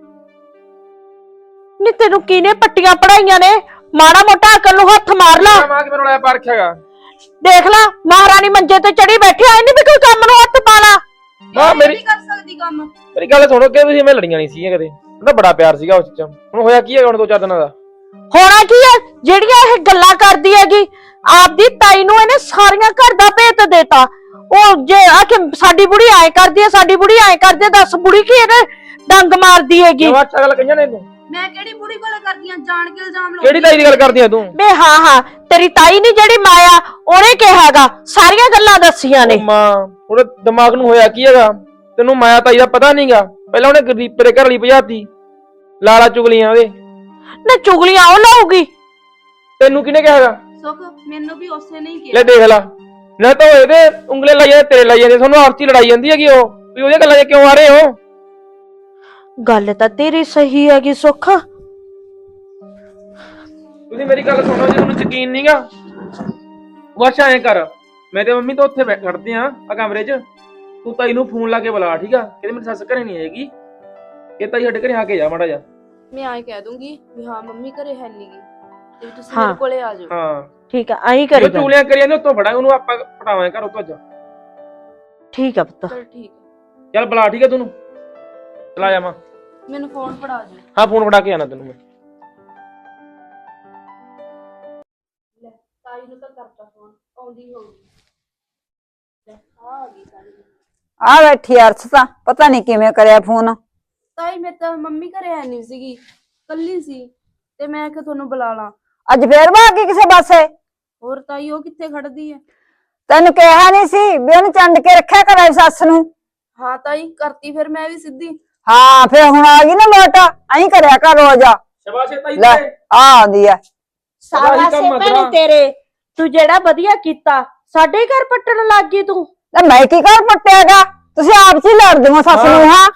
S2: ਨੀ ਤੈਨੂੰ ਕਿਹਨੇ ਪੱਟੀਆਂ ਪੜਾਈਆਂ ਨੇ? ਮਾੜਾ ਮੋਟਾ ਅਕਲ ਨੂੰ ਹੱਥ ਮਾਰ ਲਾ।
S5: ਮਾਂ ਕਿ ਮੈਨੂੰ ਲਾਇਆ ਪਰਖਿਆਗਾ।
S2: ਦੇਖ ਲਾ ਮਹਾਰਾਣੀ ਮੰਜੇ ਤੇ ਚੜੀ ਬੈਠੀ ਆ, ਇਹਨੇ ਵੀ ਕੋਈ ਕੰਮ ਨੂੰ ਹੱਥ ਪਾ ਲਾ।
S5: ਮਾਂ
S3: ਮੇਰੀ ਕਰ ਸਕਦੀ ਕੰਮ।
S5: ਮੇਰੀ ਗੱਲ ਸੁਣੋ ਕਿ ਤੁਸੀਂ ਮੈਂ ਲੜੀਆਂ ਨਹੀਂ ਸੀਗੀਆਂ ਕਦੇ, ਉਹਦਾ ਬੜਾ ਪਿਆਰ ਸੀਗਾ ਉਸ ਚ। ਹੁਣ ਹੋਇਆ ਕੀ ਹੈਗਾ ਹੁਣ 2-4 ਦਿਨਾਂ ਦਾ?
S2: ਹੋਣਾ ਕੀ ਹੈ? ਜਿਹੜੀਆਂ ਇਹ ਗੱਲਾਂ ਕਰਦੀ ਹੈਗੀ ਆਪਦੀ ਤਾਈ ਨੂੰ ਇਹਨੇ ਸਾਰੀਆਂ ਘਰ ਦਾ ਭੇਤ ਦੇਤਾ। ਉਹ ਜੇ ਆਖੇ ਸਾਡੀ ਬੁੜੀ ਐ ਕਰਦੀ ਹੈ, ਸਾਡੀ ਬੁੜੀ ਐ ਕਰਦੀ ਹੈ, ਦੱਸ ਬੁੜੀ ਕੀ ਇਹਨੇ ਡੰਗ ਮਾਰਦੀ ਹੈਗੀ?
S5: ਨਵਾਂ ਗੱਲ ਕਹੀਆਂ ਨੇ ਤੂੰ।
S3: ਮੈਂ ਕਿਹੜੀ ਬੁੜੀ ਗੱਲ ਕਰਦੀ ਆ, ਜਾਣ ਕੇ ਇਲਜ਼ਾਮ ਲਾਉਂਦੀ।
S5: ਕਿਹੜੀ ਤਾਈ ਦੀ ਗੱਲ ਕਰਦੀ ਆ ਤੂੰ?
S2: ਬੇ ਹਾਂ ਤੇਰੀ ਤਾਈ ਨਹੀਂ ਜਿਹੜੀ ਮਾਇਆ, ਉਹਨੇ ਕਿਹਾਗਾ ਸਾਰੀਆਂ ਗੱਲਾਂ ਦੱਸੀਆਂ ਨੇ।
S5: ਮਾਂ ਉਹਦੇ ਦਿਮਾਗ ਨੂੰ ਹੋਇਆ ਕੀ ਹੈਗਾ? ਤੈਨੂੰ ਮਾਇਆ ਤਾਈ ਦਾ ਪਤਾ ਨਹੀਂਗਾ? ਪਹਿਲਾਂ ਉਹਨੇ ਗਰੀਬ ਦੇ ਘਰ ਵਾਲੀ ਭਜਾਤੀ, ਲਾਲਾ ਚੁਗਲੀਆਂ ਉਹਦੇ।
S2: ਨਾ ਚੁਗਲੀਆਂ ਉਹ ਲਾਊਗੀ?
S5: ਤੈਨੂੰ ਕਿਹਨੇ ਕਿਹਾਗਾ?
S3: ਸੁੱਖ ਮੈਨੂੰ ਵੀ ਉਸੇ ਨੇ ਹੀ ਕਿਹਾ।
S5: ਲੈ ਦੇਖ ਲਾ, ਨਾ ਤਾਂ ਇਹਦੇ ਉਂਗਲੇ ਲਾਈ ਜਾਂਦੇ ਤੇਰੇ ਲਾਈ ਜਾਂਦੇ, ਤੁਹਾਨੂੰ ਆਪਸੀ ਲੜਾਈ ਜਾਂਦੀ ਹੈਗੀ। ਉਹ ਵੀ ਉਹਦੀਆਂ ਗੱਲਾਂ 'ਚ ਕਿਉਂ ਆ ਰਹੇ ਹੋ?
S2: ਗੱਲ ਤਾਂ ਤੇਰੀ ਸਹੀ ਹੈਗੀ ਸੁੱਖ।
S5: ਤੁਸੀਂ ਮੇਰੀ ਗੱਲ ਸੁਣੋ, ਜੇ ਤੁਹਾਨੂੰ ਯਕੀਨ ਨਹੀਂਗਾ ਬਸ ਐਂ ਕਰ, ਮੈਂ ਤੇ ਮੰਮੀ ਤਾਂ ਉੱਥੇ ਖੜਦੇ ਆ ਕਮਰੇ 'ਚ, ਤੂੰ ਤਾਈ ਨੂੰ ਫੋਨ ਲਾ ਕੇ ਬੁਲਾ, ਠੀਕ ਆ? ਕਹਿੰਦੇ ਮੇਰੀ ਸੱਸ ਘਰੇ ਨਹੀਂ ਆਏਗੀ, ਇਹ ਤਾਈ ਸਾਡੇ ਘਰੇ ਆ ਕੇ ਜਾ ਮਾੜਾ ਜਾ।
S3: ਮੈਂ ਆਏ ਕਹਿ ਦੂੰਗੀ ਵੀ ਹਾਂ ਮੰਮੀ ਘਰੇ ਹੈ ਨਹੀਂਗੀ ਤੇ ਤੁਸੀਂ ਮੇਰੇ ਕੋਲੇ ਆ ਜਾਓ।
S5: ਹਾਂ
S2: ਠੀਕ ਆ, ਆਈ ਕਰੀ
S5: ਜੋ ਚੂਲੀਆਂ ਕਰੀ ਜਾਂਦੇ ਉੱਤੋਂ ਫੜਾਂਗੇ ਉਹਨੂੰ, ਆਪਾਂ ਪਟਾਵਾਂਗੇ ਘਰ ਉੱਤੋਂ ਅੱਜ।
S2: ਠੀਕ ਆ ਪੁੱਤ।
S3: ਚਲ ਠੀਕ ਹੈ,
S5: ਚੱਲ ਬੁਲਾ, ਠੀਕ ਆ? ਤੈਨੂੰ ਚਲਾ ਜਾਵਾਂ?
S3: ਮੈਨੂੰ ਫੋਨ ਫੜਾ ਦਿਓ।
S5: ਹਾਂ ਫੋਨ ਫੜਾ ਕੇ ਆਣਾ ਤੈਨੂੰ ਮੈਂ।
S3: ਤਾਈ ਨੂੰ ਤਾਂ ਕਰਤਾ ਫੋਨ, ਆਉਂਦੀ ਹੋਊਗੀ। ਆ ਗਈ ਤਾਈ।
S1: ਆ ਬੈਠੀ ਅਰਸ਼ ਤਾਂ ਪਤਾ ਨਹੀਂ ਕਿਵੇਂ ਕਰਿਆ ਫੋਨ।
S3: ਤਾਈ ਮੈਂ ਤਾਂ ਮੰਮੀ ਘਰੇ ਹੈ ਨਹੀਂ ਸੀਗੀ, ਕੱਲੀ ਸੀ ਤੇ ਮੈਂ ਕਿ ਤੁਹਾਨੂੰ ਬੁਲਾ ਲਾਂ।
S1: ਅੱਜ ਫੇਰ ਭਾਗੀ ਕਿਸੇ ਪਾਸੇ?
S3: ਹੋਰ ਤਾਈ ਉਹ ਕਿੱਥੇ ਖੜਦੀ ਹੈ?
S1: ਤੈਨੂੰ ਕਿਹਾ ਨਹੀਂ ਸੀ ਵੀ ਉਹਨੂੰ ਚੰਡ ਕੇ ਰੱਖਿਆ ਕਰ ਸੱਸ ਨੂੰ?
S3: ਹਾਂ ਤਾਈ ਕਰਤੀ ਫਿਰ ਮੈਂ ਵੀ ਸਿੱਧੀ।
S1: ਹਾਂ ਫੇਰ ਹੁਣ ਆ ਗਈ ਨਾ ਲੋਟ, ਐਂ ਕਰਿਆ ਕਰ ਰੋਜ਼।
S5: ਸ਼ਾਬਾਸ਼ ਤਾਈ
S1: ਲੈ
S5: ਤੇ
S1: ਆ ਆਉਂਦੀ ਆ।
S2: ਸਾਬਾਸੇ ਭੈਣੇ ਤੇਰੇ, ਤੂੰ ਜਿਹੜਾ ਵਧੀਆ ਕੀਤਾ, ਸਾਡੇ ਘਰ ਪੱਟਣ ਲੱਗ ਗਈ ਤੂੰ।
S1: ਲੈ ਮੈਂ ਕੀ ਕਰ ਪੱਟਿਆਗਾ? ਤੁਸੀਂ ਆਪ ਚ ਹੀ ਲੜਦੇ ਹੋ ਸੱਸ ਨੂੰ। ਹਾਂ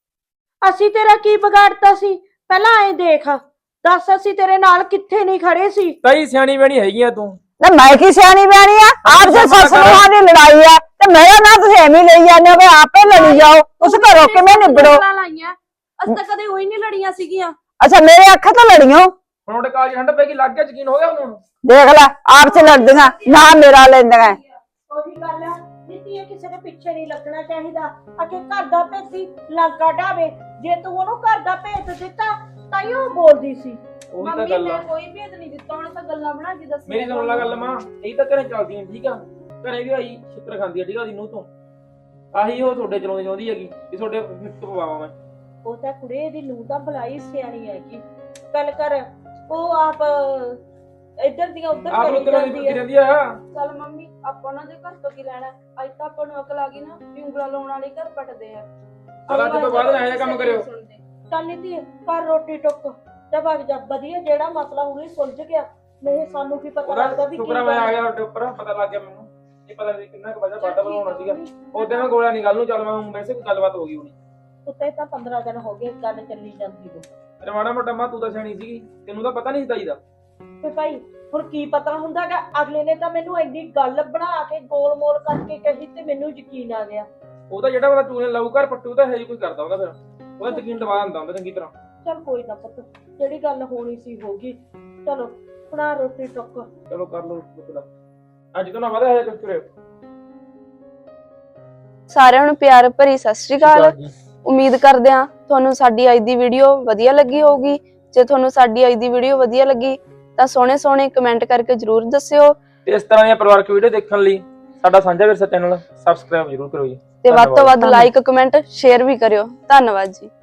S2: ਅਸੀਂ ਤੇਰਾ ਕੀ ਵਿਗਾੜਤਾ ਸੀ? ਪਹਿਲਾਂ ਐਂ ਦੇਖ, ਦੱਸ ਅਸੀਂ ਤੇਰੇ ਨਾਲ ਕਿੱਥੇ ਨਹੀਂ ਖੜੇ ਸੀ?
S5: ਤਾਈ ਸਿਆਣੀ ਬਣੀ ਹੈਗੀਆਂ ਤੂੰ।
S1: ਲੈ ਮੈਂ ਕੀ ਸਿਆਣੀ ਬਿਆਣੀ ਆ? ਆਪ ਜੇ ਸੱਸ ਨੂੰਹਾਂ ਦੀ ਲੜਾਈ ਆ ਤੇ ਮੇਰਾ ਨਾ ਤੁਸੀਂ ਐਵੇਂ ਲਈ ਜਾਂਦੇ ਹੋ ਵੀ ਆਪੇ ਲੜੀ ਜਾਓ, ਉਸ ਘਰੋਂ ਕਿਵੇਂ ਨਿਬੜੋ?
S3: ਲਾਈਆਂ ਅਸੀਂ ਤਾਂ ਕਦੇ ਹੋਈ ਨਹੀਂ ਲੜੀਆਂ ਸੀਗੀਆਂ।
S1: ਅੱਛਾ ਮੇਰੇ ਅੱਖਾਂ ਤੋਂ ਲੜੀਓ?
S5: ਹੁਣ ਉਹਦੇ ਕਾਲਜ ਠੰਡ ਪੈ ਗਈ, ਲੱਗ ਗਿਆ ਯਕੀਨ ਹੋ ਗਿਆ ਉਹਨੂੰ?
S1: ਦੇਖ ਲੈ ਆਪ ਚ ਲੜਦੀਆਂ ਨਾ ਮੇਰਾ ਲੈਂਦੀਆਂ।
S2: ਉਹੀ ਗੱਲ ਆ, ਨੀਤੀ ਕਿਸੇ ਦੇ ਪਿੱਛੇ ਨਹੀਂ ਲੱਗਣਾ ਚਾਹੀਦਾ। ਅਕੇ ਘਰ ਦਾ ਭੇਤੀ ਲਾਗਾ ਢਾਵੇ, ਜੇ ਤੂੰ ਉਹਨੂੰ ਘਰ ਦਾ ਭੇਤ ਦਿੱਤਾ ਤਾਂ ਹੀ ਉਹ ਬੋਲਦੀ ਸੀ।
S5: ਉਹੀ ਤਾਂ
S3: ਮੰਮੀ
S5: ਗੱਲ
S3: ਨੇ
S5: ਆ।
S3: ਕੋਈ ਭੇਦ ਨਹੀਂ ਦਿੱਤਾ, ਉਹਨੇ ਤਾਂ ਗੱਲਾਂ ਬਣਾ ਕੇ ਦੱਸੀਆਂ।
S5: ਮੇਰੀ ਸੁਣ ਲੈ ਗੱਲ ਮਾਂ, ਇਹ ਤਾਂ ਘਰੇ ਚੱਲਦੀਆਂ ਠੀਕ ਆ, ਘਰੇ ਵੀ ਆਈ ਸ਼ੁਕਰ ਖਾਂਦੀ ਆ ਠੀਕ ਆ ਉਹਦੀ ਨੂੰਹ ਤੋਂ। ਆਹੀ ਉਹ ਤੁਹਾਡੇ ਚਲਾਉਂਦੀ ਚਾਹੁੰਦੀ ਹੈਗੀ ਕਿ ਤੁਹਾਡੇ ਫਿੱਟ ਪਵਾਵਾਂ ਮੈਂ।
S2: ਉਹ ਤਾਂ ਕੁੜੇ ਦੀ ਨੂੰਹ ਤਾਂ ਬੁਲਾਈ ਸਿਆਣੀ ਹੈਗੀ, ਗੱਲ ਕਰ। ਉਹ ਆਪ ਇੱਧਰ ਦੀਆਂ ਉੱਧਰ
S5: ਆਪ
S2: ਕਰੀ
S5: ਨੂੰ ਤੇਰਾ
S2: ਜਾਂਦੀ
S5: ਦੀ
S2: ਹੈ।
S5: ਰਹਿੰਦੀ ਆ।
S3: ਚੱਲ ਮੰਮੀ ਆਪਾਂ ਉਹਨਾਂ ਦੇ ਘਰ ਤੋਂ ਕੀ ਲੈਣਾ? ਅੱਜ ਤਾਂ ਆਪਾਂ ਨੂੰ ਅਕਲ ਆ ਗਈ ਨਾ ਵੀ ਉਂਗਲਾਂ ਲਾਉਣ ਵਾਲੇ ਘਰ ਪਟਦੇ ਆ।
S5: ਅੱਜ ਤੋਂ ਬਾਅਦ ਇਹੋ ਜਿਹਾ ਕੰਮ ਕਰਿਓ।
S2: ਚੱਲ ਨੀਤੀ ਕਰ ਰੋਟੀ ਟੁੱਕ ਤੇ ਭੱਜ ਜਾ। ਵਧੀਆ ਜਿਹੜਾ ਮਸਲਾ ਹੁਣੇ ਸੁਲਝ ਗਿਆ, ਨਹੀਂ ਸਾਨੂੰ ਕੀ ਪਤਾ ਲੱਗਦਾ ਵੀ ਕੀ
S5: ਸ਼ੁਕਰ ਮੈਂ ਆ ਗਿਆ ਤੁਹਾਡੇ ਉੱਪਰ, ਪਤਾ ਲੱਗ ਗਿਆ ਮੈਨੂੰ। ਇਹ ਪਤਾ ਨਹੀਂ ਕਿੰਨਾ ਕੁ ਵਜਾ ਬਾਟਾ ਬਣਾਉਣਾ ਸੀਗਾ ਉਹਦੇ ਮੈਂ ਗੋਲਾ ਨਹੀਂ ਗੱਲ ਨੂੰ। ਚੱਲ ਮੈਂ ਵੈਸੇ ਕੋਈ ਗੱਲਬਾਤ ਹੋ ਗਈ ਹੋਣੀ।
S2: ਉੱਤੇ ਤਾਂ 15 ਦਿਨ ਹੋ ਗਏ ਗੱਲ ਚੱਲੀ ਜਾਂਦੀ ਨੂੰ।
S5: ਤੇਰਾ ਮਾੜਾ ਮੋਟਾ ਮਾਂ ਤੂੰ ਤਾਂ ਸਿਆਣੀ ਸੀਗੀ, ਤੈਨੂੰ ਤਾਂ ਪਤਾ ਨਹੀਂ ਸੀ ਤਾਈ ਦਾ।
S2: ਤੇ ਭਾਈ ਹੁਣ ਕੀ ਪਤਾ ਹੁੰਦਾਗਾ? ਅਗਲੇ ਨੇ ਤਾਂ ਮੈਨੂੰ ਇੰਨੀ ਗੱਲ ਬਣਾ ਕੇ ਗੋਲ ਮੋਲ ਕਰਕੇ ਕਹੀ ਤੇ ਮੈਨੂੰ ਯਕੀਨ ਆ ਗਿਆ।
S5: ਉਹ ਤਾਂ ਜਿਹੜਾ ਬੰਦਾ ਚੂਨੇ ਲਾਊ ਘਰ ਪੱਟੂ ਤਾਂ ਹੈ ਹੀ ਕੋਈ ਕਰਦਾ ਹੁੰਦਾ, ਫਿਰ ਉਹਦਾ ਯਕੀਨ ਦਵਾ ਦਿੰਦਾ ਹੁੰਦਾ ਚੰਗੀ ਤਰ੍ਹਾਂ।
S2: ਚਲ ਕੋਈ ਨਾ ਪੁੱਤ, ਜਿਹੜੀ ਗੱਲ ਹੋਣੀ ਸੀ ਹੋ ਗਈ। ਚਲੋ ਬਣਾ ਰੋਟੀ ਟੁੱਕ।
S5: ਚਲੋ ਕਰ ਲਓ ਟੁਕੜਾ, ਅੱਜ ਤੋਂ ਨਾ ਵਧਿਆ ਹੈ ਕੁਝ ਕਰਿਓ।
S3: ਸਾਰਿਆਂ ਨੂੰ ਪਿਆਰ ਭਰੀ ਸਤਿ ਸ਼੍ਰੀ ਅਕਾਲ। ਉਮੀਦ ਕਰਦੇ ਹਾਂ ਤੁਹਾਨੂੰ ਸਾਡੀ ਅੱਜ ਦੀ ਵੀਡੀਓ ਵਧੀਆ ਲੱਗੀ ਹੋਊਗੀ। ਜੇ ਤੁਹਾਨੂੰ ਸਾਡੀ ਅੱਜ ਦੀ ਵੀਡੀਓ ਵਧੀਆ ਲੱਗੀ ਤਾਂ ਸੋਹਣੇ ਕਮੈਂਟ ਕਰਕੇ ਜਰੂਰ ਦੱਸਿਓ।
S5: ਤੇ ਇਸ ਤਰ੍ਹਾਂ ਦੀਆਂ ਪਰਿਵਾਰਕ ਵੀਡੀਓ ਦੇਖਣ ਲਈ ਸਾਡਾ ਸਾਂਝਾ ਵਿਰਸਾ ਚੈਨਲ ਸਬਸਕ੍ਰਾਈਬ ਜਰੂਰ ਕਰੋ ਜੀ।
S3: ਤੇ ਵੱਧ ਤੋਂ ਵੱਧ
S5: ਧੰਨਵਾਦ।
S3: ਲਾਈਕ ਕਮੈਂਟ ਸ਼ੇਅਰ ਵੀ ਕਰਿਓ। ਧੰਨਵਾਦ ਜੀ।